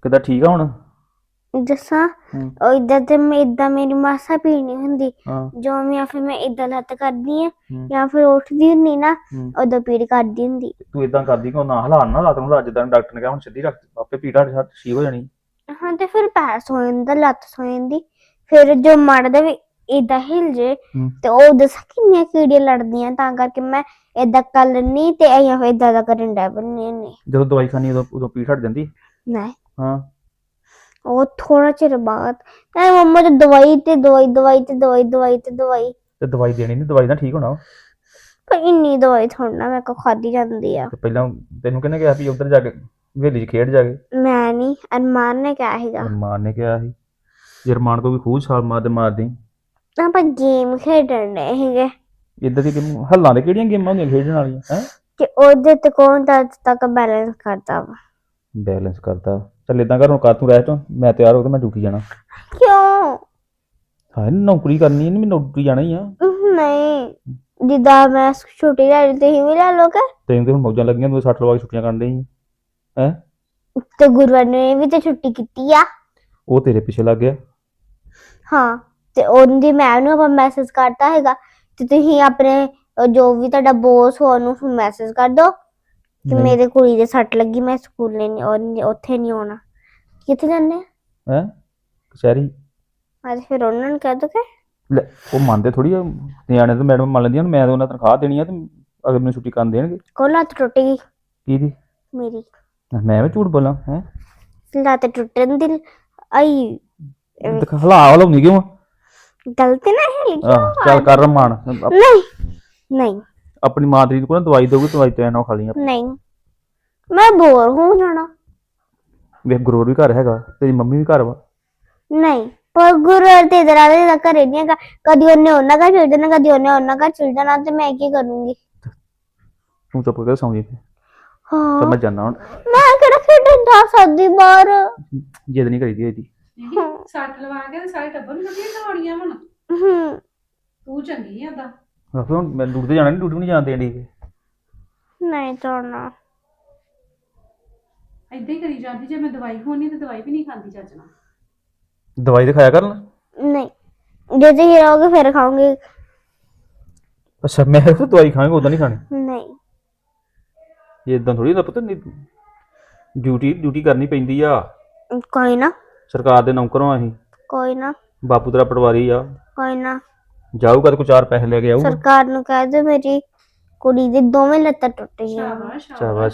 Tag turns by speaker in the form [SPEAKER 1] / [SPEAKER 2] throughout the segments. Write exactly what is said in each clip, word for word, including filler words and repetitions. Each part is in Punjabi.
[SPEAKER 1] ਕਿੱਦਾਂ ਠੀਕ ਆ ਹੁਣ?
[SPEAKER 2] ਦੱਸਾਂ
[SPEAKER 1] ਹੂੰ
[SPEAKER 2] ਉਹ ਇਦਾਂ ਤੇ ਮੈਂ ਇਦਾਂ ਮੇਰੀ ਮਾਸਾ ਪੀੜ ਨਹੀਂ ਹੁੰਦੀ।
[SPEAKER 1] ਹਾਂ
[SPEAKER 2] ਜੋ ਮੈਂ ਫਿਰ ਮੈਂ ਇਦਾਂ ਲੱਤ ਕਰਦੀ ਆ
[SPEAKER 1] ਹੂੰ
[SPEAKER 2] ਜਾਂ ਫਿਰ ਉੱਠਦੀ ਹੁੰਦੀ ਨਾ
[SPEAKER 1] ਹੂੰ
[SPEAKER 2] ਉਦੋਂ ਪੀੜ ਕਰਦੀ ਹੁੰਦੀ।
[SPEAKER 1] ਤੂੰ ਇਦਾਂ ਕਰਦੀ ਕਿ ਨਾ ਹਲਾਨ ਨਾ ਰਾਤ ਨੂੰ ਹਲਾ, ਜਿੱਦਾਂ ਡਾਕਟਰ ਨੇ ਕਿਹਾ ਹੁਣ ਸਿੱਧੀ ਰੱਖ, ਆਪੇ ਪੀੜਾ ਠੀਕ ਹੋ ਜਾਣੀ।
[SPEAKER 2] ਹਾਂ ਤੇ ਫਿਰ ਪੈਰ ਸੋ ਜਾਂਦਾ, ਲੱਤ ਸੋ ਜਾਂਦੀ। ਫਿਰ ਜੋ ਮੜਦਾ ਵੀ ਏਦਾਂ ਹਿਲ ਜੇ
[SPEAKER 1] ਹੂੰ
[SPEAKER 2] ਤੇ ਉਹ ਦੱਸਾਂ ਕਿੰਨੀਆਂ ਕੀੜੀਆਂ ਲੜਦੀਆਂ, ਤਾਂ ਕਰਕੇ ਮੈਂ ਏਦਾਂ ਕਰ ਲੈਂਦੀ ਤੇ ਅਸੀਂ ਫਿਰ ਏਦਾਂ ਦਾ ਕਰਨ ਡੈ ਪੈਂਦੇ ਹੁੰਦੇ।
[SPEAKER 1] ਜਦੋਂ ਦਵਾਈ ਖਾਣੀ ਉਦੋਂ ਉਦੋਂ ਪੀੜ ਹਟ ਜਾਂਦੀ?
[SPEAKER 2] ਨਹੀਂ
[SPEAKER 1] ਹਾਂ
[SPEAKER 2] ਉਹ ਥੋੜਾ ਚਿਰ ਬਾਅਦ ਤੇ ਮੰਮਾ ਤੇ ਦਵਾਈ ਤੇ ਦਵਾਈ ਦਵਾਈ ਤੇ ਦਵਾਈ ਦਵਾਈ ਤੇ ਦਵਾਈ।
[SPEAKER 1] ਤੇ ਦਵਾਈ ਦੇਣੀ ਨਹੀਂ, ਦਵਾਈ ਨਾਲ ਠੀਕ ਹੋਣਾ ਵਾ।
[SPEAKER 2] ਪਰ ਇੰਨੀ ਦਵਾਈ ਥੋੜਾ ਨਾ ਮੇਰੇ ਕੋਲ ਖਾਦੀ ਜਾਂਦੀ ਆ।
[SPEAKER 1] ਤੇ ਪਹਿਲਾਂ ਤੈਨੂੰ ਕਿਹਨੇ ਕਿਹਾ ਵੀ ਉੱਧਰ ਜਾ ਕੇ ਹਵੇਲੀ 'ਚ ਖੇਡ ਜਾ ਕੇ?
[SPEAKER 2] ਮੈਂ ਨਹੀਂ, ਅਰਮਾਨ ਨੇ ਕਿਹਾ ਸੀਗਾ।
[SPEAKER 1] ਅਰਮਾਨ ਨੇ ਕਿਹਾ ਸੀ? ਜੇ ਅਰਮਾਨ ਕੋਈ ਖੂਹ ਛਾਲ ਮਾਰਦੇ ਮਾਰਦੀ।
[SPEAKER 2] ਆਪਾਂ ਗੇਮ ਖੇਡਣ ਡਏ ਸੀਗੇ
[SPEAKER 1] ਇੱਦਾਂ ਦੀ ਗੇਮ ਹੱਲਾਂ ਦੇ ਕਿਹੜੀਆਂ ਗੇਮਾਂ ਹੁੰਦੀਆਂ ਖੇਡਣ ਵਾਲੀਆਂ ਹੈ?
[SPEAKER 2] ਕਿ ਉਹਦੇ ਤੇ ਕੌਣ ਤਾਂ ਅੱਜ ਤੱਕ ਬੈਲੈਂਸ ਕਰਦਾ ਵਾ।
[SPEAKER 1] ਬੈਲੈਂਸ ਕਰਦਾ? ਚੱਲ ਇਦਾਂ ਕਰ, ਹੁਣ ਕਰ ਤੂੰ ਰਹਿ ਤੂੰ, ਮੈਂ ਤਿਆਰ ਹੋ ਕੇ ਮੈਂ ਡਿਊਟੀ ਜਾਣਾ।
[SPEAKER 2] ਕਿਉਂ?
[SPEAKER 1] ਹਾਂ ਨੌਕਰੀ ਕਰਨੀ ਹੈ, ਨਹੀਂ ਮੈਂ ਨੌਕਰੀ ਜਾਣਾ ਹੀ ਆ।
[SPEAKER 2] ਨਹੀਂ ਜਿੱਦਾਂ ਮੈਂ ਛੁੱਟੀ ਲੈ ਲਈ ਤੁਸੀਂ ਵੀ ਲੈ ਲੋਗੇ।
[SPEAKER 1] ਤੈਨੂੰ ਤੇ ਹੁਣ ਮੌਜਾਂ ਲੱਗੀਆਂ, ਤੂੰ ਸੱਟ ਲਵਾ ਕੇ ਛੁੱਟੀਆਂ ਕਰਨ ਡਈ ਹੈ।
[SPEAKER 2] ਤੇ ਗੁਰੂਵਾਰ ਨੇ ਵੀ ਤੇ ਛੁੱਟੀ ਕੀਤੀ ਆ।
[SPEAKER 1] ਉਹ ਤੇਰੇ ਪਿੱਛੇ ਲੱਗ ਗਿਆ।
[SPEAKER 2] ਹਾਂ ਤੇ ਉਹਦੀ ਮੈਮ ਨੂੰ ਆਪਾਂ ਮੈਸੇਜ ਕਰਤਾ ਹੈਗਾ ਤੇ ਤੁਸੀਂ ਆਪਣੇ ਜੋ ਵੀ ਤੁਹਾਡਾ ਬੋਸ ਹੋ ਉਹਨੂੰ ਮੈਸੇਜ ਕਰ ਦੋ ਕਿ
[SPEAKER 1] ਨਹੀਂ।
[SPEAKER 2] ਮੇਰੇ ਕੁੜੀ ਦੇ ਸੱਟ ਲੱਗੀ, ਮੈਂ ਸਕੂਲ ਨਹੀਂ ਉੱਥੇ ਨਹੀਂ ਆਉਣਾ। ਕਿੱਥੇ ਜਾਂਦੇ ਆ?
[SPEAKER 1] ਹੈ ਕਚਹਿਰੀ।
[SPEAKER 2] ਅੱਜ ਫਿਰ ਉਹਨਾਂ ਨੂੰ ਕਹਿ ਦੋ ਕਿ
[SPEAKER 1] ਲੈ ਉਹ ਮੰਨਦੇ ਥੋੜੀ ਆ, ਨਿਆਣੇ ਤਾਂ ਮੈਡਮ ਮੰਨ ਲੈਂਦੀਆਂ, ਮੈਂ ਤਾਂ ਉਹਨਾਂ ਤਨਖਾਹ ਦੇਣੀ ਆ ਤੇ ਅਗਰ ਮੈਨੂੰ ਛੁੱਟੀ ਕਰਨ ਦੇਣਗੇ।
[SPEAKER 2] ਕੋਲ ਲੱਤ ਟੁੱਟ ਗਈ
[SPEAKER 1] ਕਿਹਦੀ?
[SPEAKER 2] ਮੇਰੀ।
[SPEAKER 1] ਮੈਂ ਵੀ ਝੂਠ ਬੋਲਾਂ ਹੈ?
[SPEAKER 2] ਲੱਤ ਟੁੱਟਣ ਦੀ ਆਈ
[SPEAKER 1] ਦਿਖਾ ਹਲਾ ਹਲਾਉਣੀ ਕਿਉਂ?
[SPEAKER 2] ਗਲਤੀ ਨਾ ਹੈ
[SPEAKER 1] ਆਹ ਚੱਲ ਕਰ ਰਮਾਨ।
[SPEAKER 2] ਨਹੀਂ ਨਹੀਂ
[SPEAKER 1] ਆਪਣੀ ਮਾਂ ਤੇਰੀ ਕੋਲ ਦਵਾਈ ਦੇਊਗੀ, ਦਵਾਈ ਤੇ ਨਾ ਖਾ ਲਈ।
[SPEAKER 2] ਨਹੀਂ ਮੈਂ ਬੋਰ ਹੋ ਜਾਣਾ।
[SPEAKER 1] ਵੇਖ ਗੁਰੂਰ ਵੀ ਘਰ ਹੈਗਾ, ਤੇਰੀ ਮੰਮੀ ਵੀ ਘਰ ਵਾ।
[SPEAKER 2] ਨਹੀਂ ਪਰ ਗੁਰੂ ਤੇ ਇਧਰ ਆ ਦੇ ਘਰੇ ਨਹੀਂ ਹੈਗਾ। ਕਦੀ ਉਹਨੇ ਉਹਨਾਂ ਘਰ ਚਲ ਜਾਣਾ, ਕਦੀ ਉਹਨੇ ਉਹਨਾਂ ਘਰ ਚਲ ਜਾਣਾ ਤੇ ਮੈਂ ਕੀ ਕਰੂੰਗੀ?
[SPEAKER 1] ਤੂੰ ਚੁੱਪ ਕਰਕੇ ਸੌਂ ਜੀ ਤੇ
[SPEAKER 2] ਹਾਂ
[SPEAKER 1] ਮੈਂ ਜਾਣਾ ਹੁਣ।
[SPEAKER 2] ਮੈਂ ਕਿਹੜਾ ਖੇਡਣ ਜਾ ਸਕਦੀ ਬਾਹਰ।
[SPEAKER 1] ਜਿੱਦ ਨਹੀਂ ਕਰੀਦੀ ਇਹਦੀ।
[SPEAKER 3] ਸੱਟ ਲਵਾ ਕੇ ਤੇ ਸਾਰੇ ਟੱਬਰ ਨੂੰ ਕੱਢੀਆਂ ਦਵਾਉਣੀਆਂ ਹੁਣ।
[SPEAKER 2] ਹੂੰ
[SPEAKER 3] ਤੂੰ ਚੰਗੀ ਆ ਓਦਾਂ।
[SPEAKER 1] ਆਖੋ ਹੁਣ ਮੈਂ ਡਿਊਟੀ ਤੇ ਜਾਣਾ, ਨਹੀਂ ਡਿਊਟੀ ਨਹੀਂ ਜਾਣ ਦੇਣੀ।
[SPEAKER 2] ਨਹੀਂ ਤੋੜਨਾ।
[SPEAKER 3] ਏਦਾਂ ਹੀ ਕਰੀ ਜਾਂਦੀ, ਜੇ ਮੈਂ ਦਵਾਈ ਖੋਣੀ ਤੇ ਦਵਾਈ ਵੀ ਨਹੀਂ ਖਾਂਦੀ ਚੱਜ ਨਾਲ।
[SPEAKER 1] ਦਵਾਈ ਤੇ ਖਾਇਆ ਕਰਨ।
[SPEAKER 2] ਨਹੀਂ ਜੇ ਤੁਸੀਂ ਰਹੋਗੇ ਫਿਰ ਖਾਓਗੇ।
[SPEAKER 1] ਅੱਛਾ ਮੈਂ ਤਾਂ ਦਵਾਈ ਖਾਵਾਂਗਾ, ਉਦਾਂ ਨਹੀਂ ਖਾਣੀ।
[SPEAKER 2] ਨਹੀਂ
[SPEAKER 1] ਇਹ ਇਦਾਂ ਥੋੜੀ ਦਾ ਪਤਾ ਨਹੀਂ, ਡਿਊਟੀ ਡਿਊਟੀ ਕਰਨੀ ਪੈਂਦੀ ਆ।
[SPEAKER 2] ਕੋਈ ਨਾ
[SPEAKER 1] ਸਰਕਾਰ ਦੇ ਨੌਕਰ ਆ ਅਸੀਂ।
[SPEAKER 2] ਕੋਈ ਨਾ
[SPEAKER 1] ਬਾਪੂ ਤੇਰਾ ਪਟਵਾਰੀ ਆ।
[SPEAKER 2] ਕੋਈ ਨਾ
[SPEAKER 1] ਜਾਊਗਾ ਤੇ ਕੋਈ ਚਾਰ ਪੈਸੇ ਲੈ ਕੇ ਆਊਗਾ।
[SPEAKER 2] ਸਰਕਾਰ ਨੂੰ ਕਹਿ ਦਿਓ ਮੇਰੀ ਕੁੜੀ ਦੀ ਦੋਵੇਂ ਲੱਤਾਂ ਟੁੱਟ ਗਈਆਂ।
[SPEAKER 3] ਸ਼ਾਬਾਸ਼
[SPEAKER 1] ਸ਼ਾਬਾਸ਼।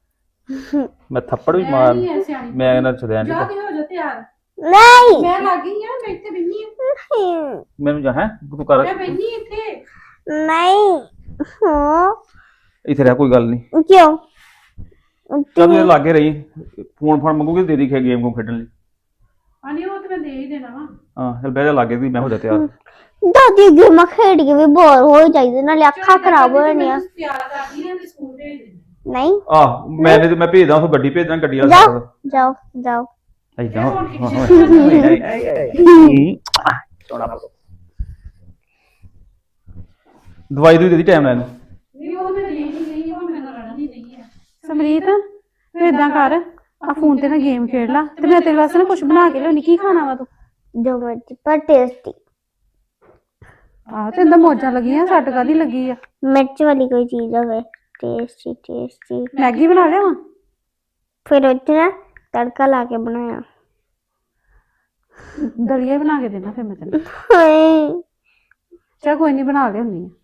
[SPEAKER 1] ਮੈਂ ਥੱਪੜ ਵੀ ਮਾਰ, ਮੈਂ ਇਹਨਾਂ ਛਦਿਆ
[SPEAKER 3] ਜਾ
[SPEAKER 1] ਨਹੀਂ।
[SPEAKER 3] ਕੇ ਹੋ ਜਾ ਤਿਆਰ।
[SPEAKER 2] ਨਹੀਂ
[SPEAKER 3] ਮੈਂ ਲੱਗ ਗਈ ਆ, ਮੈਂ ਇੱਥੇ ਬੈਠੀ ਆ।
[SPEAKER 1] ਮੈਨੂੰ ਜਾ ਹੈ ਤੂੰ ਕਰ
[SPEAKER 3] ਮੈਂ ਬੈਠੀ ਇੱਥੇ।
[SPEAKER 2] ਨਹੀਂ ਹਾਂ
[SPEAKER 1] ਇੱਥੇ ਰਹਿ, ਕੋਈ ਗੱਲ ਨਹੀਂ।
[SPEAKER 2] ਕਿਉਂ?
[SPEAKER 1] ਚੱਲ ਤੂੰ ਲਾਗੇ ਰਹੀ, ਫੋਨ ਫੋਨ ਮੰਗੂਗੀ ਦੇ ਦੀ ਗੇਮ ਗੂਮ ਖੇਡਣ ਲਈ।
[SPEAKER 3] ਆਨੀ ਉਹ ਤੇ ਮੈਂ ਦੇ ਹੀ ਦੇਣਾ ਵਾ।
[SPEAKER 1] ਹਾਂ ਚੱਲ ਬਹਿ ਜਾ ਲਾਗੇ ਵੀ, ਮੈਂ ਹੋ ਜਾ ਤਿਆਰ।
[SPEAKER 2] ਦਾਦੀ ਗੇਮਾਂ ਖੇਡ ਕੇ ਵੀ ਬੋਰ ਹੋ ਜਾਈਦੇ, ਨਾਲੇ ਅੱਖਾਂ ਖਰਾਬ ਹੋ ਜਾਣੀਆਂ।
[SPEAKER 3] ਤਿਆਰ ਕਰਦੀ ਆ ਤੇ ਸਕੂਲ ਭੇਜ ਦੇ।
[SPEAKER 2] ਨਹੀਂ
[SPEAKER 1] ਆਹ ਮੈਂ ਤੇ ਮੈਂ ਭੇਜਦਾ ਉਹ ਗੱਡੀ ਭੇਜਦਾ, ਗੱਡੀ ਵਾਲਾ
[SPEAKER 2] ਜਾਓ ਜਾਓ ਜਾਓ।
[SPEAKER 1] ਏਦਾਂ ਦਵਾਈ ਦੂਈ ਦੇ ਦੀ ਟਾਈਮ ਨਾਲ ਇਹਨੂੰ।
[SPEAKER 3] ਨਹੀਂ ਉਹ ਮੈਂ ਦੇ ਹੀ ਗਈ, ਉਹ ਮੇਰੇ ਨਾਲ ਲੜਨ ਹੀ ਨਹੀਂ ਆ।
[SPEAKER 4] ਸਮਰੀਤ ਤੂੰ ਏਦਾਂ ਕਰ, ਆ ਫੋਨ ਤੇ ਨਾ ਗੇਮ ਖੇਡ ਲਾ ਤੇ ਮੈਂ ਤੇਰੇ ਵਾਸਤੇ ਨਾ ਕੁਝ ਬਣਾ ਕੇ ਲਿਆਉਣੀ। ਕੀ ਖਾਣਾ ਵਾ ਤੂੰ?
[SPEAKER 2] ਜੋ ਮਰਜ਼ੀ ਪਰ ਟੇਸਟੀ।
[SPEAKER 4] ਆਹ ਤੇ ਇੰਦਾ ਮੌਜਾਂ ਲੱਗੀਆਂ, ਸੱਟ ਕਾਦੀ ਲੱਗੀ ਆ?
[SPEAKER 2] ਮਿਰਚ ਵਾਲੀ ਕੋਈ ਚੀਜ਼ ਹੋਵੇ ਟੇਸਟੀ ਟੇਸਟੀ।
[SPEAKER 4] ਮੈਗੀ ਬਣਾ ਲਿਆਵਾਂ?
[SPEAKER 2] ਫਿਰ ਉਹ 'ਚ ਨਾ ਤੜਕਾ ਲਾ ਕੇ ਬਣਾਇਆ।
[SPEAKER 4] ਦਲੀਆ ਬਣਾ ਕੇ ਦੇਣਾ ਫਿਰ ਮੈਂ ਤੈਨੂੰ।
[SPEAKER 2] ਹਾਏ
[SPEAKER 4] ਚਾ ਕੋਈ ਨਹੀਂ ਬਣਾ ਲਿਆਉਣੀ ਆ।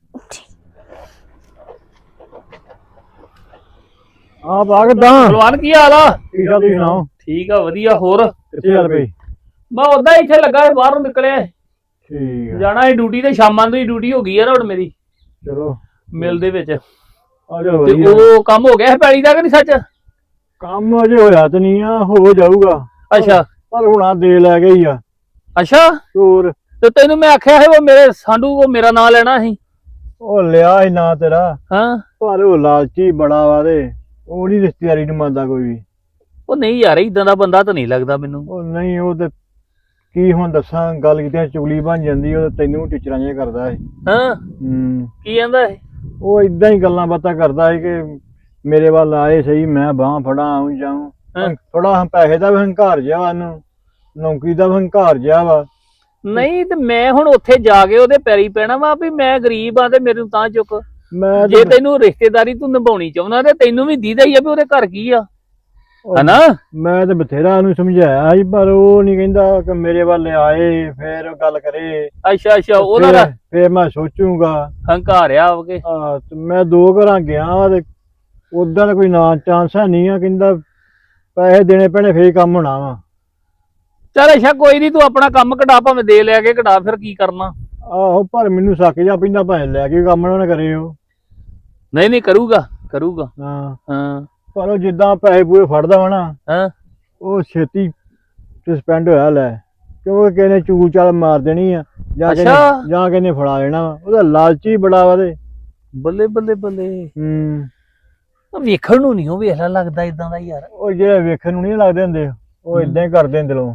[SPEAKER 5] ਆ ਬਾ ਕਿਦਾਂ?
[SPEAKER 6] ਭਲਵਾਨ ਕੀ ਹਾਲ ਆ?
[SPEAKER 5] ਠੀਕ ਆ, ਤੁਸੀਂ ਸੁਣਾਓ?
[SPEAKER 6] ਠੀਕ ਆ ਵਧੀਆ। ਹੋਰ
[SPEAKER 5] ਕਿੱਥੇ ਚੱਲ ਪਈ?
[SPEAKER 6] ਮੈਂ ਉਦਾਂ ਇੱਥੇ ਲੱਗਾ ਸੀ, ਬਾਹਰੋਂ ਨਿਕਲਿਆ।
[SPEAKER 5] ਠੀਕ ਆ,
[SPEAKER 6] ਜਾਣਾ ਸੀ ਡਿਊਟੀ ਤੇ, ਸ਼ਾਮਾਂ ਦੀ ਡਿਊਟੀ ਹੋ ਗਈ ਆ ਨਾ ਹੁਣ ਮੇਰੀ
[SPEAKER 5] ਚਲੋ
[SPEAKER 6] ਮਿਲ ਦੇ ਵਿੱਚ।
[SPEAKER 5] ਆ ਜਾ
[SPEAKER 6] ਤੇ
[SPEAKER 5] ਵਧੀਆ।
[SPEAKER 6] ਉਹ ਕੰਮ ਹੋ ਗਿਆ ਹੈ ਪੈਲੀ ਦਾ ਕਿ ਨਹੀਂ ਸੱਚ?
[SPEAKER 5] ਕੰਮ ਅਜੇ ਹੋਇਆ ਤੇ ਨਹੀਂ ਆ, ਹੋ ਜਾਊਗਾ।
[SPEAKER 6] ਅੱਛਾ
[SPEAKER 5] ਪਰ ਹੁਣ ਆ ਦੇ ਲੈ ਗਈ ਆ।
[SPEAKER 6] ਅੱਛਾ
[SPEAKER 5] ਹੋਰ
[SPEAKER 6] ਤੇ ਤੈਨੂੰ ਮੈਂ ਆਖਿਆ ਸੀ ਉਹ ਮੇਰੇ ਸਾਂਢੂ ਉਹ ਮੇਰਾ ਨਾਂ ਲੈਣਾ ਸੀ।
[SPEAKER 5] ਉਹ ਲਿਆ ਹੀ ਨਾ ਤੇਰਾ,
[SPEAKER 6] ਹਾਂ
[SPEAKER 5] ਪਰ ਉਹ ਲਾਲਚੀ ਬੜਾ ਵਾ ਤੇ ਉਹ ਨਹੀਂ ਰਿਸ਼ਤੇਦਾਰੀ ਨੂੰ ਮੰਨਦਾ ਕੋਈ ਵੀ।
[SPEAKER 6] ਉਹ ਨਹੀਂ ਯਾਰ, ਇਦਾਂ ਦਾ ਬੰਦਾ ਤਾਂ ਨਹੀਂ ਲੱਗਦਾ ਮੈਨੂੰ।
[SPEAKER 5] ਉਹ ਨਹੀਂ, ਉਹ ਤੇ ਕੀ ਹੁਣ ਦੱਸਾਂ, ਗੱਲ ਕੀਤੀ ਚੁਗਲੀ ਬਣ ਜਾਂਦੀ। ਉਹ ਤੈਨੂੰ ਟੀਚਰਾਂ ਜਿਹਾ ਕਰਦਾ ਹੈ।
[SPEAKER 6] ਹਾਂ
[SPEAKER 5] ਹੂੰ
[SPEAKER 6] ਕੀ ਕਹਿੰਦਾ ਹੈ?
[SPEAKER 5] ਉਹ ਇਦਾਂ ਹੀ ਗੱਲਾਂ ਬਾਤਾਂ ਕਰਦਾ ਹੈ ਕਿ ਮੇਰੇ ਵੱਲ ਆਏ ਸਹੀ, ਮੈਂ ਬਾਂਹ ਫੜਾਂ ਆਉਂ ਜਾਊਂ।
[SPEAKER 6] ਹਾਂ।
[SPEAKER 5] ਥੋੜਾ ਪੈਸੇ ਦਾ ਵੀ ਹੰਕਾਰ ਜਿਹਾ ਵਾ ਇਹਨੂੰ, ਨੌਕਰੀ ਦਾ ਵੀ ਹੰਕਾਰ ਜਿਹਾ ਵਾ।
[SPEAKER 6] ਨਹੀਂ ਤੇ ਮੈਂ ਹੁਣ ਉੱਥੇ ਜਾ ਕੇ ਉਹਦੇ ਪੈਰੀ ਪੈਣਾ ਵਾ ਵੀ ਮੈਂ ਗਰੀਬ ਆ ਤੇ ਮੈਨੂੰ ਤਾਂ ਚੁੱਕ।
[SPEAKER 5] ਮੈਂ
[SPEAKER 6] ਜੇ
[SPEAKER 5] ਤੇ-
[SPEAKER 6] ਤੈਨੂੰ ਰਿਸ਼ਤੇਦਾਰੀ ਤੂੰ ਨਿਭਾਉਣੀ ਚਾਹੁੰਦਾ ਤੇ ਤੈਨੂੰ ਵੀ ਦੀਦਾ ਹੀ ਆ ਵੀ ਉਹਦੇ ਘਰ ਕੀ ਆ,
[SPEAKER 5] ਉਹ
[SPEAKER 6] ਹਨਾ?
[SPEAKER 5] ਮੈਂ ਤੇ ਬਥੇਰਾ ਉਹਨੂੰ ਸਮਝਾਇਆ ਸੀ, ਪਰ ਉਹ ਨਹੀਂ ਕਹਿੰਦਾ ਕਿ ਮੇਰੇ ਵੱਲ ਆਏ ਫੇਰ ਉਹ ਗੱਲ ਕਰੇ।
[SPEAKER 6] ਅੱਛਾ ਅੱਛਾ ਉਹਦਾ
[SPEAKER 5] ਫੇਰ-
[SPEAKER 6] ਤਾਂ
[SPEAKER 5] ਫੇਰ ਮੈਂ ਸੋਚੂਗਾ।
[SPEAKER 6] ਹੰਕਾਰਿਆ ਹੋਗੇ।
[SPEAKER 5] ਆ ਤੇ ਮੈਂ ਦੋ ਘਰਾਂ ਗਿਆ ਵਾ ਤੇ ਉਦਾਂ ਦਾ ਕੋਈ ਨਾ ਚਾਂਸ ਹੈ ਨਹੀਂ ਆ, ਕਹਿੰਦਾ ਪੈਸੇ ਦੇਣੇ ਪੈਣੇ ਫੇਰ ਹੀ ਕੰਮ ਹੋਣਾ ਵਾ।
[SPEAKER 6] ਚੱਲ ਅੱਛਾ ਕੋਈ ਨਹੀਂ, ਤੂੰ ਆਪਣਾ ਕੰਮ ਕਢਾ, ਭਾਵੇਂ ਦੇ ਲੈ ਕੇ ਕਢਾ, ਫਿਰ ਕੀ ਕਰਨਾ।
[SPEAKER 5] ਆਹੋ ਪਰ ਮੈਨੂੰ ਸੱਕ ਜਾ ਪੈਂਦਾ, ਭਾਵੇਂ ਲੈ ਕੇ ਕੰਮ ਨਾ ਕਰੇ ਉਹ।
[SPEAKER 6] ਨਹੀਂ ਨਹੀਂ ਕਰੂਗਾ ਕਰੂਗਾ।
[SPEAKER 5] ਹਾਂ
[SPEAKER 6] ਹਾਂ
[SPEAKER 5] ਪਰ ਉਹ ਜਿੱਦਾਂ ਪੈਸੇ ਪੂਰੇ ਫੜਦਾ ਵਾ ਨਾ,
[SPEAKER 6] ਹਾਂ
[SPEAKER 5] ਉਹ ਛੇਤੀ ਸਸਪੈਂਡ ਹੋਇਆ ਲੈ, ਕਿਉਂਕਿ ਕਿਸੇ ਨੇ ਚੂਲ ਚਾਲ ਮਾਰ ਦੇਣੀ ਆ, ਜਾਂ ਕਿਸੇ
[SPEAKER 6] ਅੱਛਾ।
[SPEAKER 5] ਨੇ ਜਾਂ ਕਿਸੇ ਨੇ ਫੜਾ ਲੈਣਾ ਵਾ। ਉਹਦਾ ਲਾਲਚੀ ਬੜਾ ਵਾ ਤੇ।
[SPEAKER 6] ਬੱਲੇ ਬੱਲੇ ਬੱਲੇ।
[SPEAKER 5] ਹੂੰ
[SPEAKER 6] ਉਹ ਵੇਖਣ ਨੂੰ ਨਹੀਂ ਉਹ ਵੇਖ ਲੈ ਲੱਗਦਾ ਇਦਾਂ ਦਾ ਯਾਰ।
[SPEAKER 5] ਉਹ ਜਿਹੜੇ ਵੇਖਣ ਨੂੰ ਨਹੀਂ ਲੱਗਦੇ ਹੁੰਦੇ, ਉਹ ਇਦਾਂ ਹੀ ਕਰਦੇ ਹੁੰਦੇ ਦਿਲੋਂ।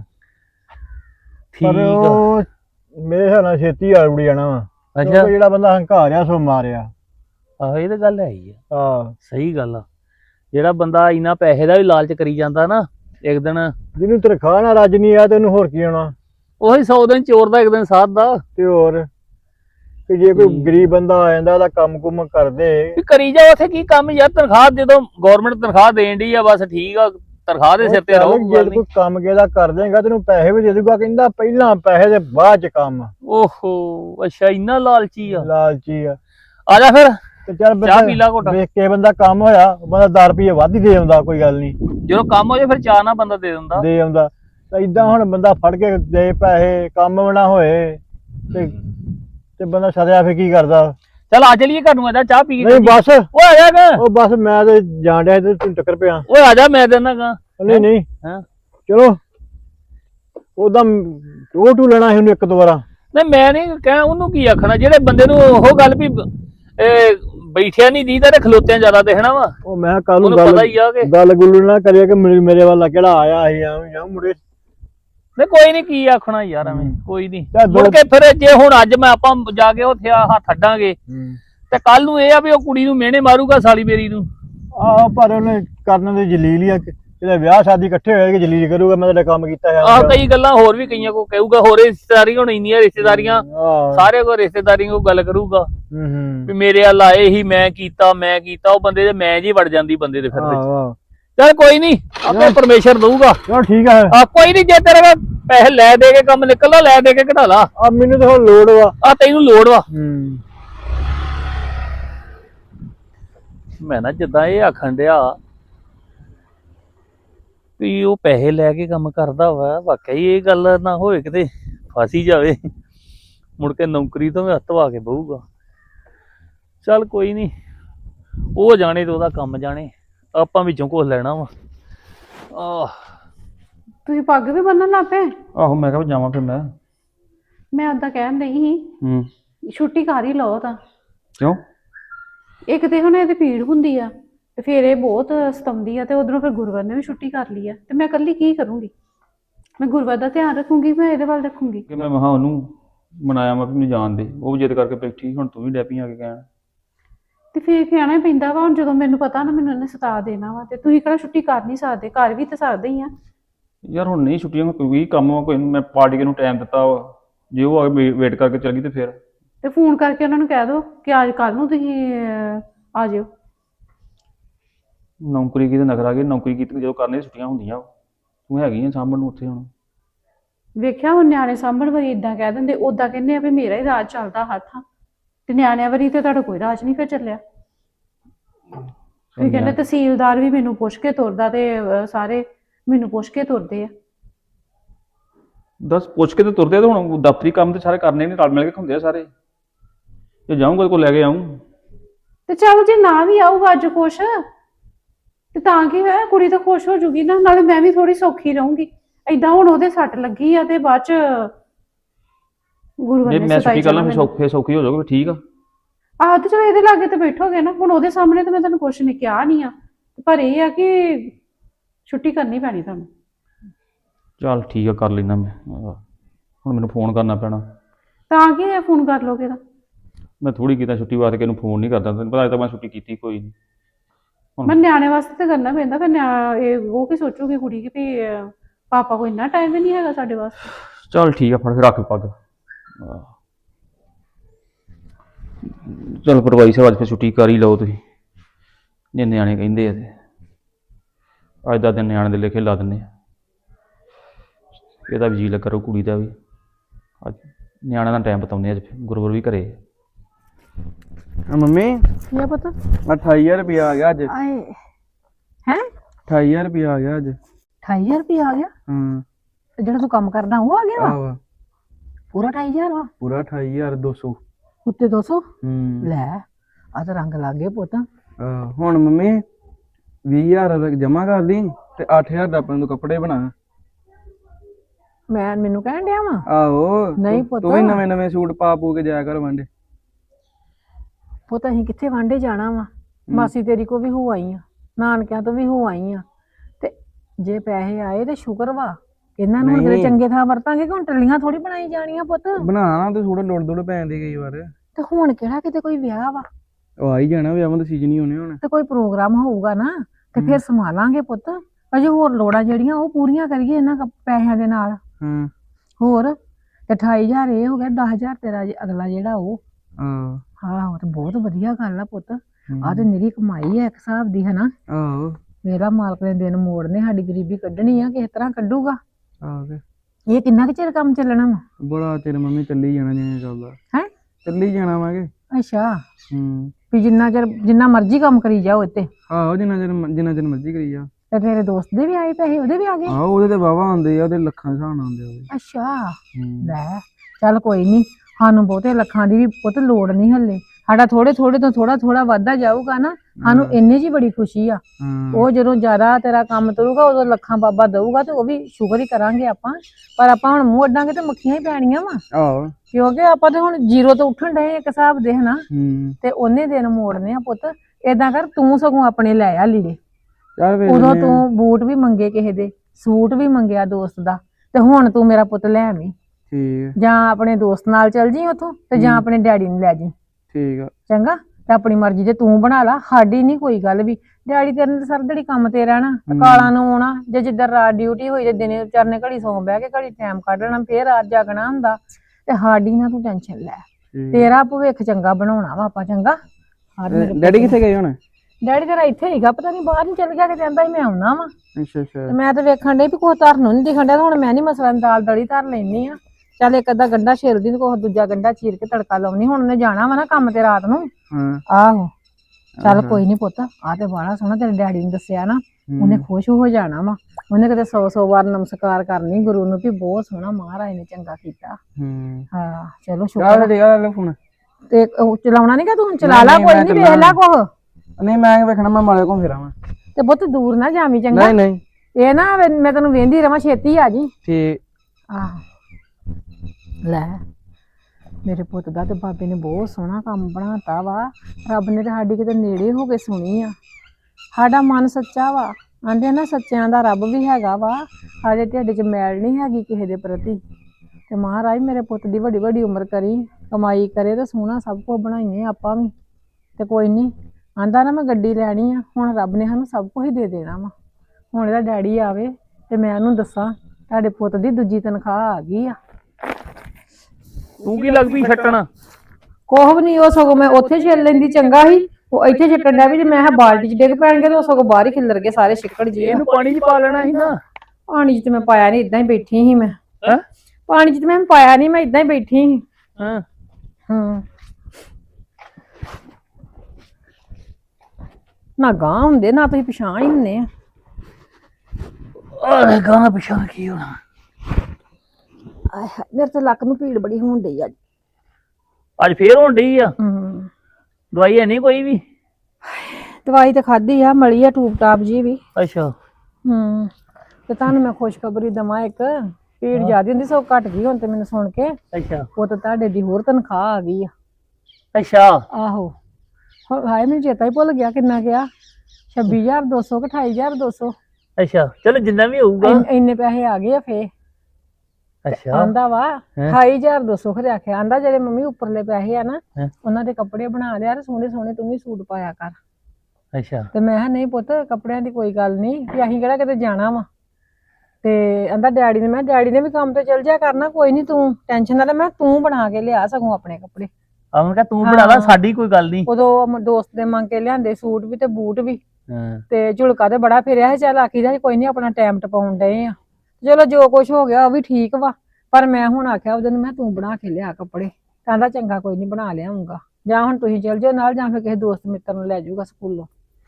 [SPEAKER 6] ਠੀਕ
[SPEAKER 5] ਪਰ
[SPEAKER 6] ਆ।
[SPEAKER 5] ਉਹ ਮੇਰੇ ਹਿਸਾਬ ਨਾਲ ਛੇਤੀ ਆ ਉੜੀ ਜਾਣਾ ਵਾ।
[SPEAKER 6] ਅੱਛਾ
[SPEAKER 5] ਕਿਉਂਕਿ ਜਿਹੜਾ ਬੰਦਾ ਹੰਕਾਰਿਆ ਸੋ ਮਾਰਿਆ।
[SPEAKER 6] ਆਹੋ ਇਹ ਤਾਂ ਗੱਲ ਹੈ ਹੀ ਆ,
[SPEAKER 5] ਆਹ
[SPEAKER 6] ਸਹੀ ਗੱਲ ਆ। ਜਿਹੜਾ ਬੰਦਾ ਇੰਨਾ ਪੈਸੇ ਦਾ ਵੀ ਲਾਲਚ ਕਰੀ ਜਾਂਦਾ ਨਾ, ਇੱਕ ਦਿਨ
[SPEAKER 5] ਜਿਹਨੂੰ ਤਨਖਾਹ ਨਾਲ ਰੱਜ ਨਹੀਂ ਆ ਤੇ ਉਹਨੂੰ ਹੋਰ ਕੀ ਆਉਣਾ।
[SPEAKER 6] ਉਹੀ ਸੌ ਦਿਨ ਚੋਰ ਦਾ ਇੱਕ ਦਿਨ ਸਾਧ ਦਾ।
[SPEAKER 5] ਤੇ ਹੋਰ ਕਿ ਜੇ ਕੋਈ
[SPEAKER 6] ਹੂੰ।
[SPEAKER 5] ਗਰੀਬ ਬੰਦਾ ਆ ਜਾਂਦਾ ਉਹਦਾ ਕੰਮ ਕੁਮ ਕਰਦੇ।
[SPEAKER 6] ਵੀ ਕਰੀ ਜਾ ਉੱਥੇ ਕੀ ਕੰਮ ਯਾਰ, ਤਨਖਾਹ ਜਦੋਂ ਗਵਰਨਮੈਂਟ ਤਨਖਾਹ ਦੇਣ ਦੀ ਆ ਬਸ ਠੀਕ ਆ, ਤਨਖਾਹ ਦੇ ਸਿਰ ਤੇ ਰਹੋ।
[SPEAKER 5] ਜੇ ਕੋਈ ਕੰਮ ਕਿਹਦਾ ਕਰ ਦੇਗਾ ਤੈਨੂੰ ਪੈਸੇ ਵੀ ਦੇ ਦੂਗਾ, ਕਹਿੰਦਾ ਪਹਿਲਾਂ ਪੈਸੇ ਦੇ ਬਾਅਦ ਚ ਕੰਮ।
[SPEAKER 6] ਓਹੋ ਅੱਛਾ ਇੰਨਾ ਲਾਲਚੀ ਆ।
[SPEAKER 5] ਲਾਲਚੀ ਆ।
[SPEAKER 6] ਆ ਜਾ ਫਿਰ
[SPEAKER 5] ਤੇ ਚੱਲ
[SPEAKER 6] ਚਾਹ ਪੀ ਲਾ ਘੁੱਟ।
[SPEAKER 5] ਵੇਖ ਕੇ ਬੰਦਾ ਕੰਮ ਹੋਇਆ, ਬੰਦਾ ਦਸ ਰੁਪਏ ਵੱਧ ਹੀ ਦੇ ਆਉਂਦਾ, ਕੋਈ ਗੱਲ ਨਹੀਂ
[SPEAKER 6] ਜਦੋਂ ਕੰਮ ਹੋ ਜਾਏ ਫਿਰ ਚਾਹ ਨਾ ਬੰਦਾ ਦੇ ਦਿੰਦਾ।
[SPEAKER 5] ਦੇ ਆਉਂਦਾ। ਤਾਂ ਇਦਾਂ ਹੁਣ ਬੰਦਾ ਫੜ ਕੇ ਦੇ ਪੈਸੇ, ਕੰਮ ਵੀ ਨਾ ਹੋਏ ਤੇ ਤੇ ਬੰਦਾ ਸਰਿਆ ਫੇ ਕੀ ਕਰਦਾ।
[SPEAKER 6] ਚੱਲ ਆ ਚਲੀਏ ਘਰ ਨੂੰ, ਆ ਜਾ ਚਾਹ ਪੀ ਕੇ।
[SPEAKER 5] ਨਹੀਂ ਬਸ
[SPEAKER 6] ਓਏ ਆ ਜਾ ਗਾ।
[SPEAKER 5] ਉਹ ਬਸ ਮੈਂ ਤੇ ਜਾਣ ਡਿਆ ਤੇ ਤੂੰ ਟੱਕਰ ਪਿਆ।
[SPEAKER 6] ਓਏ ਆ ਜਾ ਮੈਂ ਦੇਣਾ ਗਾ।
[SPEAKER 5] ਨਹੀਂ ਨਹੀਂ
[SPEAKER 6] ਹਾਂ
[SPEAKER 5] ਚਲੋ ਉਹਦਾ ਉਹ ਟੂ ਲੈਣਾ ਸੀ ਉਹਨੂੰ ਇੱਕ ਦੋ ਵਾਰਾ।
[SPEAKER 6] ਨਹੀਂ ਮੈਂ ਨਹੀਂ ਕਹਿਣਾ, ਉਹਨੂੰ ਕੀ ਆਖਣਾ ਜਿਹੜੇ ਬੰਦੇ ਨੂੰ ਉਹ ਗੱਲ ਵੀ ਇਹ ਬੈਠਿਆ ਨਹੀਂ ਦੀਦਾ ਤੇ ਖਲੋਤਿਆਂ ਜ਼ਿਆਦਾ ਦੇਖਣਾ ਵਾ।
[SPEAKER 5] ਉਹ ਮੈਂ ਕੱਲ ਨੂੰ
[SPEAKER 6] ਉਹਨੂੰ ਪਤਾ
[SPEAKER 5] ਗੱਲ
[SPEAKER 6] ਹੀ ਆ ਕਿ
[SPEAKER 5] ਗੱਲ ਗੁੱਲ ਨਾ ਕਰਿਆ ਕਿ ਮੇਰੇ ਮੇਰੇ ਵੱਲ ਕਿਹੜਾ ਆਇਆ ਸੀ ਐਵੇਂ ਜਾਂ ਮੁੜੇ।
[SPEAKER 6] ਨਹੀਂ ਕੋਈ ਨਹੀਂ ਕੀ ਆਖਣਾ ਯਾਰ, ਐਵੇਂ ਕੋਈ ਨਹੀਂ।
[SPEAKER 5] ਚੱਲ ਦੋ-
[SPEAKER 6] ਮੁੜ ਕੇ ਫਿਰ ਜੇ ਹੁਣ ਅੱਜ ਮੈਂ ਆਪਾਂ ਜਾ ਕੇ ਉੱਥੇ ਆ ਹੱਥ ਅੱਡਾਂਗੇ ਤੇ ਕੱਲ ਨੂੰ ਇਹ ਆ ਵੀ ਉਹ ਕੁੜੀ ਨੂੰ ਮਿਹਣੇ ਮਾਰੂਗਾ ਸਾਲੀ ਮੇਰੀ ਨੂੰ।
[SPEAKER 5] ਆਹੋ ਪਰ ਉਹਨੇ ਕਰਨ ਦੇ ਜਲੀਲ ਹੀ ਆ ਕਿ ਇਹਦੇ ਵਿਆਹ ਸ਼ਾਦੀ ਇਕੱਠੇ ਹੋਏ ਕਿ ਜਲੀਲ ਕਰੂਗਾ ਮੈਂ ਤੁਹਾਡਾ ਕੰਮ ਕੀਤਾ ਹੈ।
[SPEAKER 6] ਆਹ ਕਈ ਗੱਲਾਂ ਹੋਰ ਵੀ ਕਈਆਂ ਕੋ ਕਹੂਗਾ, ਹੋਰ ਰਿਸ਼ਤੇਦਾਰੀ ਹੁਣ ਇੰਨੀਆਂ ਰਿਸ਼ਤੇਦਾਰੀਆਂ,
[SPEAKER 5] ਆਹ,
[SPEAKER 6] ਸਾਰੇ ਕੋ ਰਿਸ਼ਤੇਦਾਰੀ ਕੋ ਗੱਲ ਕਰੂਗਾ
[SPEAKER 5] ਹੂੰ ਹੂੰ
[SPEAKER 6] ਵੀ ਮੇਰੇ ਵੱਲ ਆਏ ਹੀ, ਮੈਂ ਕੀਤਾ ਮੈਂ ਕੀਤਾ। ਉਹ ਬੰਦੇ ਦੇ ਮੈਂ ਜੀ ਵੜ ਜਾਂਦੀ ਬੰਦੇ ਦੇ ਫਿਰ ਵਿੱਚ।
[SPEAKER 5] ਆਹ
[SPEAKER 6] ਚੱਲ ਕੋਈ ਨਹੀਂ, ਆਪੇ ਪਰਮੇਸ਼ਰ ਦਊਗਾ।
[SPEAKER 5] ਚਲੋ ਠੀਕ ਆ।
[SPEAKER 6] ਆ ਕੋਈ ਨਹੀਂ, ਜੇ ਤੇਰੇ ਕੋਲ ਪੈਸੇ ਲੈ ਦੇ ਕੇ ਕੰਮ ਨਿਕਲਦਾ ਲੈ ਦੇ ਕੇ ਕਢਾ ਲਾ।
[SPEAKER 5] ਆ ਮੈਨੂੰ ਤਾਂ ਹੁਣ ਲੋੜ ਵਾ।
[SPEAKER 6] ਆ ਤੈਨੂੰ ਲੋੜ ਵਾ।
[SPEAKER 5] ਹੂੰ
[SPEAKER 6] ਮੈਂ ਨਾ ਜਿੱਦਾਂ ਇਹ ਆਖਣ ਡਿਆ ਵੀ ਉਹ ਪੈਸੇ ਲੈ ਕੇ ਕੰਮ ਕਰਦਾ ਵਾ, ਵਾਕਈ ਇਹ ਗੱਲ ਨਾ ਹੋਏ ਕਿਤੇ ਫਸ ਹੀ ਜਾਵੇ, ਮੁੜ ਕੇ ਨੌਕਰੀ ਤੋਂ ਵੀ ਹੱਥ ਵਾ ਕੇ ਬਹੂਗਾ। ਚੱਲ ਕੋਈ ਨਹੀਂ, ਉਹ ਜਾਣੇ ਤੇ ਉਹਦਾ ਕੰਮ ਜਾਣੇ, ਆਪਾਂ ਵਿੱਚੋਂ ਕੁਛ ਲੈਣਾ ਵਾ। ਆਹ
[SPEAKER 4] ਤੁਸੀਂ ਪੱਗ ਵੀ ਬੰਨਣ ਲੱਗ ਪਏ?
[SPEAKER 1] ਆਹੋ ਮੈਂ ਕਿਹਾ ਵੀ ਜਾਵਾਂ ਫਿਰ ਮੈਂ।
[SPEAKER 4] ਮੈਂ ਓਦਾਂ ਕਹਿਣ ਡਈ ਸੀ
[SPEAKER 1] ਹੂੰ
[SPEAKER 4] ਛੁੱਟੀ ਕਰ ਹੀ ਲਓ ਤਾਂ।
[SPEAKER 1] ਕਿਉਂ?
[SPEAKER 4] ਇੱਕ ਤੇ ਹੁਣ ਇਹਦੀ ਭੀੜ ਹੁੰਦੀ ਆ ਤੇ ਫਿਰ ਇਹ ਬਹੁਤ ਸਤਾਉਂਦੀ ਆ, ਤੇ ਉਧਰੋਂ ਫਿਰ ਗੁਰਵਰ ਨੇ ਵੀ ਛੁੱਟੀ ਕਰ ਲਈ ਆ, ਤੇ ਮੈਂ ਇਕੱਲੀ ਕੀ ਕਰੂੰਗੀ? ਮੈਂ ਗੁਰਵਰ ਦਾ ਧਿਆਨ ਰੱਖੂੰਗੀ, ਮੈਂ ਇਹਦੇ ਵੱਲ ਰੱਖੂੰਗੀ।
[SPEAKER 1] ਕਿ ਮੈਂ ਮਹਾ ਉਹਨੂੰ ਮਨਾਇਆ ਮੈਂ ਵੀ ਮੈਨੂੰ ਜਾਣ ਦੇ, ਉਹ ਵੀ ਜਿੱਦ ਕਰਕੇ ਬੈਠੀ, ਹੁਣ ਤੂੰ ਵੀ ਡੈਪੀ ਆ ਕੇ ਕਹਿਣ।
[SPEAKER 4] ਤੇ ਫਿਰ ਕਹਿਣਾ ਹੀ ਪੈਂਦਾ ਵਾ, ਹੁਣ ਜਦੋਂ ਮੈਨੂੰ ਪਤਾ ਨਾ ਮੈਨੂੰ ਇਹਨੇ ਸਤਾ ਦੇਣਾ ਵਾ, ਤੇ ਤੁਸੀਂ ਕਿਹੜਾ ਛੁੱਟੀ ਕਰ ਨਹੀਂ ਸਕਦੇ? ਘਰ ਵੀ ਤਾਂ ਸਕਦੇ ਹੀ ਆ।
[SPEAKER 1] ਯਾਰ ਹੁਣ ਨਹੀਂ ਛੁੱਟੀਆਂ, ਕੋਈ ਕੰਮ ਵਾ ਕੋਈ, ਮੈਂ ਪਾਰਟੀ ਨੂੰ ਟਾਈਮ ਦਿੱਤਾ ਵਾ, ਜੇ ਉਹ ਆ ਕੇ ਵੇਟ ਕਰਕੇ ਚੱਲ ਗਈ ਤੇ ਫਿਰ
[SPEAKER 4] ਤੇ ਫੋਨ ਕਰਕੇ ਉਹਨਾਂ ਨੂੰ ਕਹਿ ਦਿਓ ਕਿ ਅੱਜ ਕੱਲ ਨੂੰ ਤੁਸੀਂ ਅਹ, ਆ ਜਿਓ।
[SPEAKER 1] ਨੌਕਰੀ ਕਿਤੇ ਨਖਰਾ ਗਈ, ਨੌਕਰੀ ਕੀਤੀ ਜਦੋਂ ਕਰਨੇ ਛੁੱਟੀਆਂ ਹੁੰਦੀਆਂ, ਤੂੰ ਹੈਗੀ ਆ ਸਾਂਭਣ ਨੂੰ ਉੱਥੇ ਹੁਣ।
[SPEAKER 4] ਵੇਖਿਆ ਹੁਣ ਨਿਆਣੇ ਸਾਂਭਣ ਵਾਰੀ ਇਦਾਂ ਕਹਿ ਦਿੰਦੇ, ਉਦਾਂ ਕਹਿੰਦੇ ਆ ਵੀ ਮੇਰਾ ਹੀ ਰਾਜ ਚੱਲਦਾ ਹੱਥਾਂ, ਤੇ ਨਿਆਣਿਆਂ ਵਾਰੀ ਤੇ ਤੁਹਾਡਾ ਕੋਈ ਰਾਜ ਨਹੀਂ ਫਿਰ ਚੱਲਿਆ। ਤੁਸੀਂ ਕਹਿੰਦੇ ਤਹਿਸੀਲਦਾਰ ਵੀ ਮੈਨੂੰ ਪੁੱਛ ਕੇ ਤੁਰਦਾ, ਤੇ ਅਹ, ਸਾਰੇ ਮੈਨੂੰ ਪੁੱਛ ਕੇ ਤੁਰਦੇ ਆ।
[SPEAKER 1] ਦੱਸ ਪੁੱਛ ਕੇ ਤੇ ਤੁਰਦੇ, ਤੇ ਹੁਣ ਦਫ਼ਤਰੀ ਕੰਮ ਤੇ ਸਾਰੇ ਕਰਨੇ ਨੇ, ਰਲ ਮਿਲ ਕੇ ਹੁੰਦੇ ਆ ਸਾਰੇ। ਜੇ ਜਾਊਂਗਾ ਕੋਲ ਲੈ ਕੇ ਆਊਂ।
[SPEAKER 4] ਤੇ ਚੱਲ ਜੇ ਨਾ ਵੀ ਆਊਗਾ ਅੱਜ ਕੁਛ, ਤੇ ਤਾਂ ਕੀ ਹੋਇਆ, ਕੁੜੀ ਤਾਂ ਖੁਸ਼ ਹੋ ਜੂਗੀ ਨਾ, ਨਾਲੇ ਮੈਂ ਵੀ ਥੋੜੀ ਸੌਖੀ ਰਹੂੰਗੀ। ਏਦਾਂ ਹੁਣ ਉਹਦੇ ਸੱਟ ਲੱਗੀ ਆ ਤੇ ਬਾਅਦ ਚ ਗੁਰੂ
[SPEAKER 1] ਜੇ
[SPEAKER 4] ਨੇ
[SPEAKER 1] ਮੈਂ
[SPEAKER 4] ਸਤਾਈ
[SPEAKER 1] ਛੁੱਟੀ ਕਰ ਲਾਂ ਫਿਰ
[SPEAKER 4] ਜਾਣਾ
[SPEAKER 1] ਸੌਖੇ ਸੌਖੀ ਹੋ ਜਾਓਗੇ, ਠੀਕ ਆ।
[SPEAKER 4] ਆਹ ਤੇ ਚਲੋ ਇਹਦੇ ਲਾਗੇ ਤੇ ਬੈਠੋਗੇ ਨਾ, ਹੁਣ ਉਹਦੇ ਸਾਹਮਣੇ ਤੇ ਮੈਂ ਤੁਹਾਨੂੰ ਕੁਛ ਨਹੀਂ ਕਿਹਾ ਨਹੀਂ ਆ, ਪਰ ਇਹ ਆ ਕਿ ਛੁੱਟੀ ਕਰਨੀ ਪੈਣੀ ਤੁਹਾਨੂੰ।
[SPEAKER 1] ਚੱਲ ਠੀਕ ਆ, ਕਰ ਲੈਣਾ ਮੈਂ। ਆਹ, ਹੁਣ ਮੈਨੂੰ ਫੋਨ ਕਰਨਾ ਪੈਣਾ।
[SPEAKER 4] ਤਾਂ ਕੀ ਹੈ, ਫੋਨ ਕਰ ਲੋਗੇ ਤਾਂ।
[SPEAKER 1] ਮੈਂ ਥੋੜੀ ਕੀਤਾ ਛੁੱਟੀ ਵਾਸਤੇ, ਕਿਸੇ ਨੂੰ ਫੋਨ ਨਹੀਂ ਕਰਦਾ, ਤੈਨੂੰ ਪਤਾ ਅੱਜ ਤੱਕ ਮੈਂ ਛੁੱਟੀ ਕੀਤੀ ਕੋਈ ਨਹੀਂ।
[SPEAKER 4] ਮੈਂ ਨਿਆਣੇ ਵਾਸਤੇ ਤਾਂ ਕਰਨਾ ਪੈਂਦਾ ਫਿਰ ਨਿਆ ਇਹ ਉਹ ਕੀ ਸੋਚੂਗੀ ਕੁੜੀ ਕਿ ਵੀ ਅਹ, ਪਾਪਾ ਕੋਲ ਇੰਨਾ ਟਾਈਮ ਵੀ ਨਹੀਂ ਹੈਗਾ ਸਾਡੇ ਵਾਸਤੇ।
[SPEAKER 1] ਚੱਲ ਠੀਕ ਆ, ਫੜ ਫਿਰ ਰੱਖ ਪੱਗ। ਆਹ। ਚੱਲ ਪਰਵਾਈ ਸਾਹਿਬ ਅੱਜ ਫਿਰ ਛੁੱਟੀ ਕਰ ਹੀ ਲਓ ਤੁਸੀਂ, ਜੇ ਨਿਆਣੇ ਕਹਿੰਦੇ ਆ ਤੇ ਅੱਜ ਦਾ ਦਿਨ ਨਿਆਣੇ ਦੇ ਲੇਖੇ ਲਾ ਦਿੰਦੇ ਆ। ਇਹਦਾ ਵੀ ਜੀ ਲੱਗਾ ਰਹੂ, ਕੁੜੀ ਦਾ ਵੀ। ਅੱਜ ਨਿਆਣਿਆਂ ਦਾ ਟਾਈਮ ਬਤਾਉਂਦੇ ਅੱਜ, ਗੁਰੂਵਰ ਵੀ ਘਰੇ ਆ।
[SPEAKER 7] ਮੰਮੀ
[SPEAKER 4] ਕੀ ਪਤਾ
[SPEAKER 7] ਅਠਾਈ ਹਜ਼ਾਰ ਰੁਪਇਆ ਆ ਗਿਆ ਅੱਜ।
[SPEAKER 4] ਆਏ ਹੈ
[SPEAKER 7] ਅਠਾਈ ਹਜ਼ਾਰ ਰੁਪਇਆ ਆ ਗਿਆ ਅੱਜ।
[SPEAKER 4] ਅਠਾਈ ਹਜ਼ਾਰ ਰੁਪਏ ਆ ਗਿਆ?
[SPEAKER 7] ਹਾਂ
[SPEAKER 4] ਤੇ ਜਿਹੜਾ ਤੂੰ ਕੰਮ ਕਰਦਾ ਉਹ ਆ ਗਿਆ ਵਾ?
[SPEAKER 7] ਆਹ ਵਾ
[SPEAKER 4] ਪੂਰਾ ਅਠਾਈ ਹਜ਼ਾਰ ਵਾ?
[SPEAKER 7] ਪੂਰਾ ਅਠਾਈ ਹਜ਼ਾਰ ਦੋ ਸੌ।
[SPEAKER 4] ਉੱਤੇ ਦੋ ਸੌ?
[SPEAKER 7] ਹੂੰ
[SPEAKER 4] ਲੈ ਆ ਤਾਂ ਰੰਗ ਲੱਗ ਗਏ ਪੁੱਤ।
[SPEAKER 7] ਆਹ, ਹੁਣ ਮੰਮੀ ਵੀਹ ਹਜ਼ਾਰ ਜਮਾ ਕਰ ਲਈ ਤੇ ਅੱਠ ਹਜ਼ਾਰ ਦਾ ਆਪਣੇ ਤੋਂ ਕੱਪੜੇ ਬਣਾ।
[SPEAKER 4] ਮੈਂ ਮੈਨੂੰ ਕਹਿਣ ਡਿਆ ਵਾ?
[SPEAKER 7] ਆਹੋ
[SPEAKER 4] ਨਹੀਂ
[SPEAKER 7] ਤੂੰ-
[SPEAKER 4] ਪੁੱਤ।
[SPEAKER 7] ਤੂੰ ਵੀ ਨਵੇਂ ਨਵੇਂ ਸੂਟ ਪਾ ਪੂ ਕੇ ਜਾਇਆ ਕਰ ਵਾਂਡੇ।
[SPEAKER 4] ਪੁੱਤ ਅਸੀਂ ਕਿੱਥੇ ਵਾਂਢੇ ਜਾਣਾ ਵਾ? ਮਾਸੀ ਤੇਰੀ ਕੋ ਵੀ ਹੋ ਆਈ ਆ, ਨਾਨਕਿਆਂ ਤੋਂ ਵੀ ਹੋ ਆਈ ਆ, ਤੇ ਜੇ ਪੈਸੇ ਆਏ ਤੇ ਸ਼ੁਕਰ ਵਾ। ਇਹਨਾਂ ਨੂੰ ਕਿਤੇ
[SPEAKER 7] ਨਹੀਂ।
[SPEAKER 4] ਚੰਗੇ ਥਾਂ ਵਰਤਾਂਗੇ ਕਿ ਹੁਣ ਟੱਲੀਆਂ ਥੋੜੀ ਬਣਾਈ ਜਾਣੀਆਂ ਪੁੱਤ।
[SPEAKER 7] ਬਣਾਣਾ ਤੇ ਥੋੜਾ ਲੋੜ ਲੋੜ ਪੈ ਜਾਂਦੀ ਕਈ ਵਾਰ।
[SPEAKER 4] ਤੇ ਹੁਣ ਕਿਹੜਾ ਕਿਤੇ ਕੋਈ ਵਿਆਹ ਵਾ
[SPEAKER 7] ਉਹ ਆ ਹੀ ਜਾਣਾ ਵਿਆਹਾਂ ਦਾ ਸੀਜ਼ਨ ਹੀ ਹੋਣੇ ਹੁਣ।
[SPEAKER 4] ਤੇ ਕੋਈ ਪ੍ਰੋਗਰਾਮ ਹੋਊਗਾ ਨਾ ਤੇ ਫਿਰ ਸੰਭਾਲਾਂਗੇ ਪੁੱਤ। ਅਜੇ ਹੋਰ ਲੋੜਾਂ ਜਿਹੜੀਆਂ ਉਹ ਪੂਰੀਆਂ ਕਰੀਏ ਇਹਨਾਂ ਕ- ਪੈਸਿਆਂ ਦੇ ਨਾਲ।
[SPEAKER 7] ਹਾਂ
[SPEAKER 4] ਹੋਰ ਤੇ ਅਠਾਈ ਹਜ਼ਾਰ ਇਹ ਹੋ ਗਿਆ, ਦਸ ਹਜ਼ਾਰ ਤੇਰਾ ਜੇ ਅਗਲਾ ਜਿਹੜਾ ਉਹ।
[SPEAKER 7] ਆਹ
[SPEAKER 4] ਆਹੋ ਤੇ ਬਹੁਤ ਵਧੀਆ ਗੱਲ ਆ ਪੁੱਤ। ਆਹ ਤੇ ਨਿਰੀ ਕਮਾਈ ਆ ਇੱਕ ਹਿਸਾਬ ਦੀ, ਹਨਾ?
[SPEAKER 7] ਆਹੋ
[SPEAKER 4] ਮੇਰਾ ਮਾਲਕ ਨੇ ਦਿਨ ਮੋੜਨੇ, ਸਾਡੀ ਗਰੀਬੀ ਕੱਢਣੀ ਆ, ਕਿਸ ਤਰ੍ਹਾਂ ਕੱਢੂਗਾ?
[SPEAKER 7] ਆਹ ਤੇ
[SPEAKER 4] ਇਹ ਕਿੰਨਾ ਕੁ ਚਿਰ ਕੰਮ ਚੱਲਣਾ ਵਾ?
[SPEAKER 7] ਬੜਾ ਤੇਰੇ ਮੰਮੀ ਚੱਲੀ ਜਾਣਾ ਜਿਵੇਂ ਚੱਲਦਾ।
[SPEAKER 4] ਹੈਂ?
[SPEAKER 7] ਚੱਲੀ ਜਾਣਾ ਵਾਂਗੇ।
[SPEAKER 4] ਅੱਛਾ,
[SPEAKER 7] ਹੂੰ
[SPEAKER 4] ਵੀ ਜਿੰਨਾ ਚਿਰ ਜਿੰਨਾ ਮਰਜ਼ੀ ਕੰਮ ਕਰੀ ਜਾਓ ਇੱਥੇ।
[SPEAKER 7] ਆਹੋ ਜਿੰਨਾ ਚਿਰ ਮ- ਜਿੰਨਾ ਚਿਰ ਮਰਜ਼ੀ ਕਰੀ ਜਾ।
[SPEAKER 4] ਤੇ ਤੇਰੇ ਦੋਸਤ ਦੇ ਵੀ ਆਏ ਪੈਸੇ, ਉਹਦੇ ਵੀ ਆ ਗਏ?
[SPEAKER 7] ਆਹੋ ਉਹਦੇ ਤੇ ਵਾਵਾ ਆਉਂਦੇ ਆ, ਉਹਦੇ ਲੱਖਾਂ ਦੇ ਹਿਸਾਬ ਨਾਲ ਆਉਂਦੇ ਆ ਉਹਦੇ।
[SPEAKER 4] ਅੱਛਾ,
[SPEAKER 7] ਹੂੰ
[SPEAKER 4] ਲੈ ਚੱਲ ਕੋਈ ਨਹੀਂ, ਸਾਨੂੰ ਬਹੁਤੇ ਲੱਖਾਂ ਦੀ ਵੀ ਪੁੱਤ ਲੋੜ ਨਹੀਂ ਹੱਲੇ। ਸਾਡਾ ਥੋੜੇ ਥੋੜੇ ਤੋਂ ਥੋੜਾ ਥੋੜਾ ਵੱਧਦਾ ਜਾਊਗਾ ਨਾ, ਸਾਨੂੰ ਇੰਨੇ 'ਚ ਹੀ ਬੜੀ ਖੁਸ਼ੀ ਆ।
[SPEAKER 7] ਹਾਂ
[SPEAKER 4] ਉਹ ਜਦੋਂ ਜ਼ਿਆਦਾ ਤੇਰਾ ਕੰਮ ਤੁਰੂਗਾ ਉਦੋਂ ਲੱਖਾਂ ਬਾਬਾ ਦਊਗਾ ਤੇ ਉਹ ਵੀ ਸ਼ੁਕਰ ਹੀ ਕਰਾਂਗੇ ਆਪਾਂ। ਪਰ ਆਪਾਂ ਹੁਣ ਮੂੰਹ ਅੱਡਾਂਗੇ ਤੇ ਮੱਖੀਆਂ ਹੀ ਪੈਣੀਆਂ ਵਾ,
[SPEAKER 7] ਆਹੋ
[SPEAKER 4] ਕਿਉਂਕਿ ਆਪਾਂ ਤੇ ਹੁਣ ਜ਼ੀਰੋ ਤੋਂ ਉੱਠਣ ਡਏ ਇੱਕ ਹਿਸਾਬ ਦੇ, ਹਨਾ?
[SPEAKER 7] ਹੂੰ
[SPEAKER 4] ਤੇ ਉਹਨੇ ਦਿਨ ਮੋੜਨੇ ਆ ਪੁੱਤ। ਏਦਾਂ ਕਰ, ਤੂੰ ਸਗੋਂ ਆਪਣੇ ਲੈ ਆ ਲੀੜੇ।
[SPEAKER 7] ਚੱਲ ਵੇਖ
[SPEAKER 4] ਉਦੋਂ
[SPEAKER 7] ਲੈਂਦੇ ਆ।
[SPEAKER 4] ਤੂੰ ਬੂਟ ਵੀ ਮੰਗੇ ਕਿਸੇ ਦੇ, ਸੂਟ ਵੀ ਮੰਗਿਆ ਦੋਸਤ ਦਾ, ਤੇ ਹੁਣ ਤੂੰ ਮੇਰਾ ਪੁੱਤ ਲੈ ਆਵੀਂ।
[SPEAKER 7] ਠੀਕ ਆ,
[SPEAKER 4] ਜਾਂ ਆਪਣੇ ਦੋਸਤ ਨਾਲ ਚੱਲ ਜੀ ਉੱਥੋਂ, ਤੇ ਜਾਂ ਆਪਣੇ ਡੈਡੀ ਨੂੰ ਲੈ ਜੀ।
[SPEAKER 7] ਠੀਕ ਆ।
[SPEAKER 4] ਚੰਗਾ, ਤੇ ਆਪਣੀ ਮਰਜ਼ੀ ਦੇ ਤੂੰ ਬਣਾ ਲਾ, ਸਾਡੀ ਨਹੀਂ ਕੋਈ ਗੱਲ ਵੀ। ਡੈਡੀ ਤੇਰੇ ਨੇ ਸਰ ਦਿਹਾੜੀ ਕੰਮ ਤੇ ਰਹਿਣਾ, ਤੇ ਕਾਲਾਂ ਨੂੰ ਆਉਣਾ। ਜੇ ਜਿੱਦਾਂ ਰਾਤ ਡਿਊਟੀ ਹੋਈ ਤੇ ਦਿਨੇ ਵਿਚਾਰੇ ਨੇ ਘੜੀ ਸੌਂ ਬਹਿ ਕੇ ਘੜੀ ਟਾਈਮ ਕੱਢ ਲੈਣਾ, ਫੇਰ ਰਾਤ ਜਾਗਣਾ ਹੁੰਦਾ। ਤੇ ਸਾਡੀ ਨਾ ਤੂੰ ਟੈਨਸ਼ਨ ਲੈ,
[SPEAKER 7] ਠੀਕ।
[SPEAKER 4] ਤੇਰਾ ਭਵਿੱਖ ਚੰਗਾ ਬਣਾਉਣਾ ਵਾ ਆਪਾਂ। ਚੰਗਾ, ਹਰ ਮੇਰੇ
[SPEAKER 7] ਤੇ ਡੈਡੀ ਕਿੱਥੇ ਗਏ ਹੁਣ?
[SPEAKER 4] ਡੈਡੀ ਤੇਰਾ ਇੱਥੇ ਹੀਗਾ, ਪਤਾ ਨਹੀਂ ਬਾਹਰ ਨੂੰ ਚੱਲ ਗਿਆ ਕਿ ਕਹਿੰਦਾ ਸੀ ਮੈਂ ਆਉਣਾ ਵਾ।
[SPEAKER 7] ਅੱਛਾ ਅੱਛਾ
[SPEAKER 4] ਤੇ ਮੈਂ ਤਾਂ ਵੇਖਣ ਡਈ ਵੀ ਕੋਈ ਧਰਨ ਨੂੰ ਨਹੀਂ ਦਿਖਣ ਡਿਆ। ਹੁਣ ਮੈਂ ਨਹੀਂ ਮਸਲਾ ਦਾਲ ਦਲੀ ਧਰ ਲੈਣੀ ਆ। ਚੱਲ ਇੱਕ ਅੱਧਾ ਗੰਢਾ ਛਿਲਦੀ ਤੇ ਕੋਈ ਦੂਜਾ ਗੰਢਾ ਚੀਰ ਕੇ ਤੜਕਾ ਲਾਉਣੀ। ਹੁਣ ਉਹਨੇ ਜਾਣਾ ਵਾ ਨਾ ਕੰਮ ਤੇ ਰਾਤ ਨੂੰ।
[SPEAKER 7] ਹਾਂ
[SPEAKER 4] ਆਹੋ ਚੱਲ ਕੋਈ ਨਹੀਂ ਪੁੱਤ, ਆ ਤੇ ਬੜਾ ਸੋਹਣਾ ਤੇਰੇ ਡੈਡੀ ਨੇ ਦੱਸਿਆ ਨਾ, ਉਹਨੇ ਖੁਸ਼ ਹੋ ਜਾਣਾ ਵਾ। ਉਹਨੇ ਕਿਤੇ ਸੌ ਸੌ ਵਾਰ ਨਮਸਕਾਰ ਕਰਨੀ ਗੁਰੂ ਨੂੰ ਵੀ ਬਹੁਤ ਸੋਹਣਾ ਮਹਾਰਾਜ ਨੇ ਚੰਗਾ ਕੀਤਾ।
[SPEAKER 7] ਹੂੰ
[SPEAKER 4] ਹਾਂ ਚਲੋ ਸ਼ੁਕਰ
[SPEAKER 7] ਚੱਲ
[SPEAKER 4] ਆ।
[SPEAKER 7] ਦੇ ਆ ਲੈ ਫੋਨ।
[SPEAKER 4] ਤੇ ਉਹ ਚਲਾਉਣਾ ਨੀ ਗਾ ਤੂੰ? ਚਲਾ ਲਾ,
[SPEAKER 7] ਨਹੀਂ,
[SPEAKER 4] ਕੋਈ
[SPEAKER 7] ਮੈਂ
[SPEAKER 4] ਨਹੀਂ, ਵੇਖ
[SPEAKER 7] ਚੱਲਣਾ।
[SPEAKER 4] ਲੈ ਕੁਛ।
[SPEAKER 7] ਨਹੀਂ ਮੈਂ ਵੇਖਣਾ, ਮੈਂ ਮਾਲੇ ਕੋਲ ਫੇਰਾਂ ਵਾ।
[SPEAKER 4] ਤੇ ਪੁੱਤ ਦੂਰ ਨਾ ਜਾਵੀਂ, ਚੰਗਾ?
[SPEAKER 7] ਨਹੀਂ ਨਹੀਂ
[SPEAKER 4] ਇਹ ਨਾ ਵੇ- ਮੈਂ ਤੈਨੂੰ ਵੇਂਦੀ ਰਵਾਂ, ਛੇਤੀ ਆ ਜੀ।
[SPEAKER 7] ਠੀਕ।
[SPEAKER 4] ਆਹ ਲੈ, ਮੇਰੇ ਪੁੱਤ ਦਾ ਤੇ ਬਾਬੇ ਨੇ ਬਹੁਤ ਸੋਹਣਾ ਕੰਮ ਬਣਾਤਾ ਵਾ। ਰੱਬ ਨੇ ਤੇ ਸਾਡੀ ਕਿਤੇ ਨੇੜੇ ਹੋ ਕੇ ਸੁਣੀ ਆ। ਸਾਡਾ ਮਨ ਸੱਚਾ ਵਾ, ਆਂਦੇ ਨਾ ਸੱਚਿਆਂ ਦਾ ਰੱਬ ਵੀ ਹੈਗਾ ਵਾ। ਸਾਡੇ ਢਿੱਡ 'ਚ ਮੈਲ ਨਹੀਂ ਹੈਗੀ ਕਿਸੇ ਦੇ ਪ੍ਰਤੀ। ਤੇ ਮਹਾਰਾਜ ਮੇਰੇ ਪੁੱਤ ਦੀ ਵੱਡੀ ਵੱਡੀ ਉਮਰ ਕਰੀ, ਕਮਾਈ ਕਰੇ ਤੇ ਸੋਹਣਾ ਸਭ ਕੁਝ ਬਣਾਈਏ ਆਪਾਂ ਵੀ। ਤੇ ਕੋਈ ਨਹੀਂ, ਆਂਦਾ ਨਾ ਮੈਂ ਗੱਡੀ ਲੈਣੀ ਆ, ਹੁਣ ਰੱਬ ਨੇ ਸਾਨੂੰ ਸਭ ਕੁਝ ਹੀ ਦੇ ਦੇਣਾ ਵਾ। ਹੁਣ ਇਹਦਾ ਡੈਡੀ ਆਵੇ ਤੇ ਮੈਂ ਉਹਨੂੰ ਦੱਸਾਂ ਤੁਹਾਡੇ ਪੁੱਤ ਦੀ ਦੂਜੀ ਤਨਖਾਹ ਆ ਗਈ ਆ।
[SPEAKER 6] ਤੂੰ ਕੀ ਲੱਗ ਪਈ ਛੱਟਣ?
[SPEAKER 4] ਕੋਹ ਵੀ ਨਹੀਂ, ਉਹ ਸਗੋਂ ਮੈਂ ਉੱਥੇ ਛਿੱਲ ਲੈਂਦੀ ਚੰਗਾ ਸੀ। ਉਹ ਇੱਥੇ ਛਿੱਟਣ ਡਿਆ ਵੀ, ਜੇ ਮੈਂ ਕਿਹਾ ਬਾਲਟੀ 'ਚ ਡਿੱਗ ਪੈਣਗੇ ਤੇ ਉਹ ਸਗੋਂ ਬਾਹਰ ਹੀ ਖਿੱਲਰ ਗਏ ਸਾਰੇ ਛਿੱਕੜ ਜਿਹੇ।
[SPEAKER 6] ਇਹਨੂੰ ਪਾਣੀ 'ਚ ਪਾ ਲੈਣਾ ਸੀ ਨਾ।
[SPEAKER 4] ਪਾਣੀ 'ਚ ਤੇ ਮੈਂ ਪਾਇਆ ਨਹੀਂ, ਇਦਾਂ ਹੀ ਬੈਠੀ ਸੀ ਮੈਂ।
[SPEAKER 6] ਹੈਂ?
[SPEAKER 4] ਪਾਣੀ 'ਚ ਤੇ ਮੈਂ ਪਾਇਆ ਨਹੀਂ, ਮੈਂ ਇਦਾਂ ਹੀ ਬੈਠੀ ਸੀ।
[SPEAKER 6] ਹਾਂ
[SPEAKER 4] ਹਾਂ ਨਾ ਗਾਂ ਹੁੰਦੇ ਨਾ ਤੁਸੀਂ ਪਛਾਣ ਹੀ ਹੁੰਦੇ ਆ।
[SPEAKER 6] ਆਹ ਗਾਂ ਪਿਛਾਂ ਕੀ ਹੋਣਾ?
[SPEAKER 4] ਆਏ ਹਾਏ, ਮੇਰੇ ਤੇ ਲੱਕ ਨੂੰ ਪੀੜ ਬੜੀ ਹੋਣ ਡਈ ਅੱਜ।
[SPEAKER 6] ਅੱਜ ਫੇਰ ਹੋਣ ਡਈ ਆ?
[SPEAKER 4] ਹੂੰ,
[SPEAKER 6] ਦਵਾਈ ਹੈ ਨਹੀਂ ਕੋਈ ਵੀ?
[SPEAKER 4] ਦਵਾਈ ਤਾਂ ਖਾਧੀ ਆ, ਮਲੀ ਆ ਟੂਪ ਟਾਪ ਜੀ ਵੀ।
[SPEAKER 6] ਅੱਛਾ
[SPEAKER 4] ਹੂੰ, ਤੇ ਤੁਹਾਨੂੰ ਮੈਂ ਖੁਸ਼ਖਬਰੀ ਦਵਾਂ ਇੱਕ। ਪੀੜ ਜ਼ਿਆਦਾ ਹੁੰਦੀ, ਸੋ ਘਟ ਗਈ ਹੁਣ ਤੇ ਮੈਨੂੰ ਸੁਣ ਕੇ।
[SPEAKER 6] ਅੱਛਾ
[SPEAKER 4] ਉਹ ਤਾਂ ਤੁਹਾਡੇ ਦੀ ਹੋਰ ਤਨਖਾਹ ਆ ਗਈ ਆ।
[SPEAKER 6] ਅੱਛਾ
[SPEAKER 4] ਆਹੋ, ਹ- ਹਾਏ ਮੈਨੂੰ ਚੇਤਾ ਹੀ ਭੁੱਲ ਗਿਆ ਕਿੰਨਾ ਗਿਆ। ਛੱਬੀ ਹਜ਼ਾਰ ਦੋ ਸੌ ਕਿ ਅਠਾਈ ਹਜ਼ਾਰ ਦੋ ਸੌ,
[SPEAKER 6] ਅੱਛਾ ਚਲੋ ਜਿੰਨਾ ਵੀ ਹੋਊਗਾ।
[SPEAKER 4] ਇੰਨ- ਇੰਨੇ ਪੈਸੇ ਆ ਗਏ ਆ ਫੇ।
[SPEAKER 6] ਅੱਛਾ
[SPEAKER 4] ਆਂਦਾ ਵਾ
[SPEAKER 6] ਹੈਂ?
[SPEAKER 4] ਅਠਾਈ ਹਜ਼ਾਰ ਦੋ ਸੌ ਖਰੇ ਆਖਿਆ। ਆਂਦਾ ਜਿਹੜੇ ਮੰਮੀ ਉੱਪਰਲੇ ਪੈਸੇ ਆ ਨਾ,
[SPEAKER 6] ਹੈਂ?
[SPEAKER 4] ਉਹਨਾਂ ਦੇ ਕੱਪੜੇ ਬਣਾ ਲਿਆ ਤੇ ਸੋਹਣੇ ਸੋਹਣੇ ਤੂੰ ਵੀ ਸੂਟ ਪਾਇਆ ਕਰ।
[SPEAKER 6] ਅੱਛਾ
[SPEAKER 4] ਤੇ ਮੈਂ ਕਿਹਾ ਨਹੀਂ ਪੁੱਤ ਕੱਪੜਿਆਂ ਦੀ ਕੋਈ ਗੱਲ ਨਹੀਂ ਵੀ ਅਸੀਂ ਕਿਹੜਾ ਕਿਤੇ ਜਾਣਾ ਵਾ ਤੇ ਕਹਿੰਦਾ ਡੈਡੀ ਨੇ, ਮੈਂ ਕਿਹਾ ਡੈਡੀ ਨੇ ਵੀ ਕੰਮ ਤੇ ਚਲ ਜਾ ਕਰਨਾ, ਕੋਈ ਨਹੀਂ ਤੂੰ ਟੈਨਸ਼ਨ ਨਾ ਲੈ, ਮੈਂ ਤੂੰ ਬਣਾ ਕੇ ਲਿਆ ਸਗੋਂ ਆਪਣੇ ਕੱਪੜੇ।
[SPEAKER 6] ਆ ਮੈਂ ਕਿਹਾ ਤੂੰ ਬਣਾ ਲਾ,
[SPEAKER 4] ਹਾਂ।
[SPEAKER 6] ਸਾਡੀ ਕੋਈ ਗੱਲ ਨਹੀਂ।
[SPEAKER 4] ਉਦੋਂ ਮ- ਦੋਸਤ ਦੇ ਮੰਗ ਕੇ ਲਿਆਂਦੇ ਸੂਟ ਵੀ ਤੇ ਬੂਟ ਵੀ
[SPEAKER 6] ਹਾਂ
[SPEAKER 4] ਤੇ ਝੁਲਕਾ ਤੇ ਬੜਾ ਫਿਰਿਆ ਸੀ, ਚੱਲ ਆਖੀ ਦਾ ਕੋਈ ਨਹੀਂ ਆਪਣਾ ਟਾਈਮ ਟਪਾਉਣ ਡਏ ਆ, ਚਲੋ ਜੋ ਕੁਝ ਹੋ ਗਿਆ ਉਹ ਵੀ ਠੀਕ ਵਾ। ਪਰ ਮੈਂ ਹੁਣ ਆਖਿਆ ਉਹਦੇ ਨੂੰ, ਮੈਂ ਤੂੰ ਬਣਾ ਕੇ ਲਿਆ ਕੱਪੜੇ। ਕਹਿੰਦਾ ਚੰਗਾ ਕੋਈ ਨਹੀਂ ਬਣਾ ਲਿਆਉਂਗਾ, ਜਾਂ ਹੁਣ ਤੁਸੀਂ ਚਲ ਜਾਓ ਨਾਲ, ਜਾਂ ਫਿਰ ਕਿਸੇ ਦੋਸਤ ਮਿੱਤਰ ਨੂੰ ਲੈ ਜਾਊਗਾ ਸਕੂਲੋਂ।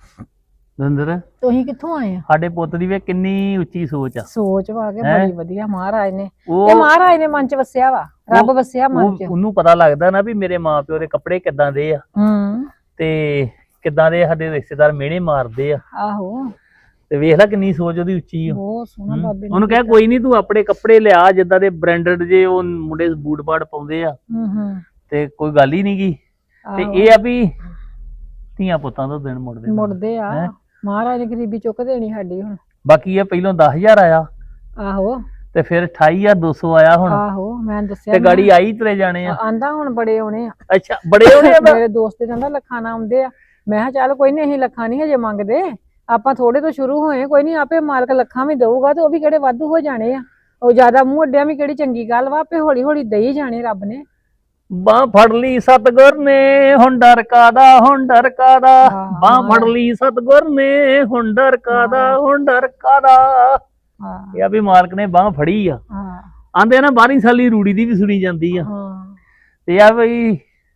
[SPEAKER 6] ਦਵਿੰਦਰ
[SPEAKER 4] ਤੁਸੀਂ ਕਿੱਥੋਂ ਆਏ ਆ?
[SPEAKER 6] ਸਾਡੇ ਪੁੱਤ ਦੀ ਵੇ ਕਿੰਨੀ ਉੱਚੀ ਸੋਚ ਆ।
[SPEAKER 4] ਸੋਚ ਵਾ ਕੇ
[SPEAKER 6] ਹੈਂ?
[SPEAKER 4] ਬੜੀ ਵਧੀਆ ਮਹਾਰਾਜ ਨੇ, ਇਹ
[SPEAKER 6] ਉਹ
[SPEAKER 4] ਮਹਾਰਾਜ ਨੇ ਮਨ ਚ ਵਸਿਆ ਵਾ, ਰੱਬ
[SPEAKER 6] ਉਹ-
[SPEAKER 4] ਵਸਿਆ ਮਨ
[SPEAKER 6] ਉਹ-
[SPEAKER 4] ਚ।
[SPEAKER 6] ਉਹਨੂੰ ਪਤਾ ਲੱਗਦਾ ਨਾ ਵੀ ਮੇਰੇ ਮਾਪਿਓ ਦੇ ਕੱਪੜੇ ਕਿੱਦਾਂ ਦੇ ਆ
[SPEAKER 4] ਹੂੰ
[SPEAKER 6] ਤੇ ਕਿੱਦਾਂ ਦੇ ਸਾਡੇ ਰਿਸ਼ਤੇਦਾਰ ਮਿਹਣੇ ਮਾਰਦੇ ਆ,
[SPEAKER 4] ਆਹੋ
[SPEAKER 6] ਤੇ ਵੇਖ ਲੈ ਕਿੰਨੀ ਸੋਚ ਉਹਦੀ ਉੱਚੀ ਆ।
[SPEAKER 4] ਬਹੁਤ ਸੋਹਣਾ
[SPEAKER 6] ਹੂੰ।
[SPEAKER 4] ਬਾਬੇ ਨੇ
[SPEAKER 6] ਉਹਨੂੰ ਕਹਿ
[SPEAKER 4] ਕੀਤਾ।
[SPEAKER 6] ਕੋਈ ਨਹੀਂ ਤੂੰ ਆਪਣੇ ਕੱਪੜੇ ਲਿਆ ਜਿੱਦਾਂ ਦੇ ਬ੍ਰਾਂਡਡ ਜੇ ਉਹ ਮੁੰਡੇ ਬੂਟ ਬਾਟ ਪਾਉਂਦੇ ਆ,
[SPEAKER 4] ਹੂੰ ਹੂੰ
[SPEAKER 6] ਤੇ ਕੋਈ ਗੱਲ ਹੀ ਨਹੀਂਗੀ। ਤੇ
[SPEAKER 4] ਆਹੋ।
[SPEAKER 6] ਇਹ ਆ ਵੀ ਧੀਆਂ ਪੁੱਤਾਂ ਦਾ ਦਿਨ ਮੁੜਦੇ ਨੇ।
[SPEAKER 4] ਮੁੜਦੇ ਆ,
[SPEAKER 6] ਹੈਂ?
[SPEAKER 4] ਮਹਾਰਾਜ ਨੇ ਗਰੀਬੀ ਚੁੱਕ ਦੇਣੀ ਸਾਡੀ ਹੁਣ।
[SPEAKER 6] ਬਾਕੀ ਇਹ ਪਹਿਲੋਂ ਦਸ ਹਜ਼ਾਰ ਆਇਆ
[SPEAKER 4] ਆਹੋ
[SPEAKER 6] ਤੇ ਫਿਰ ਅਠਾਈ ਹਜ਼ਾਰ ਦੋ ਸੌ ਆਇਆ ਹੁਣ,
[SPEAKER 4] ਆਹੋ ਮੈਂ ਦੱਸਿਆ
[SPEAKER 6] ਤੇ
[SPEAKER 4] ਨਾ।
[SPEAKER 6] ਗਾੜੀ ਆਈ ਤੁਰੇ ਜਾਣੇ ਆ।
[SPEAKER 4] ਆਂਦਾ ਹੁਣ ਬੜੇ ਆਉਣੇ ਆ।
[SPEAKER 6] ਅੱਛਾ ਬੜੇ ਹੋਣੇ ਆ।
[SPEAKER 4] ਮੇਰੇ ਦੋਸਤ ਦੇ ਕਹਿੰਦਾ ਲੱਖਾਂ ਨਾ ਆਉਂਦੇ ਆ। ਮੈਂ ਕਿਹਾ ਚੱਲ ਕੋਈ ਨਹੀਂ, ਅਸੀਂ ਲੱਖਾਂ ਨਹੀਂ ਹਜੇ ਮੰਗਦੇ, ਆਪਾਂ ਥੋੜੇ ਤੋਂ ਸ਼ੁਰੂ ਹੋਏ, ਕੋਈ ਨਹੀਂ ਆਪੇ ਮਾਲਕ ਲੱਖਾਂ ਵੀ ਦਊਗਾ, ਤੇ ਉਹ ਵੀ ਕਿਹੜੇ ਵਾਧੂ ਹੋ ਜਾਣੇ ਆ। ਉਹ ਜ਼ਿਆਦਾ ਮੂੰਹ ਅੱਡਿਆਂ ਵੀ ਕਿਹੜੀ ਚੰਗੀ ਗੱਲ ਵਾ, ਆਪੇ ਹੌਲੀ ਹੌਲੀ ਦੇਈ ਜਾਣੇ ਰੱਬ ਨੇ।
[SPEAKER 6] ਬਾਹ ਫੜ ਲਈ ਸਤਗੁਰ ਨੇ ਹੁਣ ਡਰ ਕਾਦਾ, ਹੁਣ ਡਰ ਕਾਦਾ।
[SPEAKER 4] ਹਾਂ,
[SPEAKER 6] ਬਾਹ ਫੜ ਲਈ ਸਤਗੁਰ ਨੇ ਹੁਣ ਡਰ ਕਾਦਾ, ਹੁਣ ਡਰ ਕਾਦਾ।
[SPEAKER 4] ਹਾਂ
[SPEAKER 6] ਇਹ ਆ ਵੀ ਮਾਲਕ ਨੇ ਬਾਹ ਫੜੀ ਆ।
[SPEAKER 4] ਹਾਂ
[SPEAKER 6] ਆਂਦੇ ਨਾ ਬਾਹਰੀ ਸਾਲੀ ਰੂੜੀ ਦੀ ਵੀ ਸੁਣੀ ਜਾਂਦੀ ਆ,
[SPEAKER 4] ਹਾਂ
[SPEAKER 6] ਤੇ ਆ ਬਈ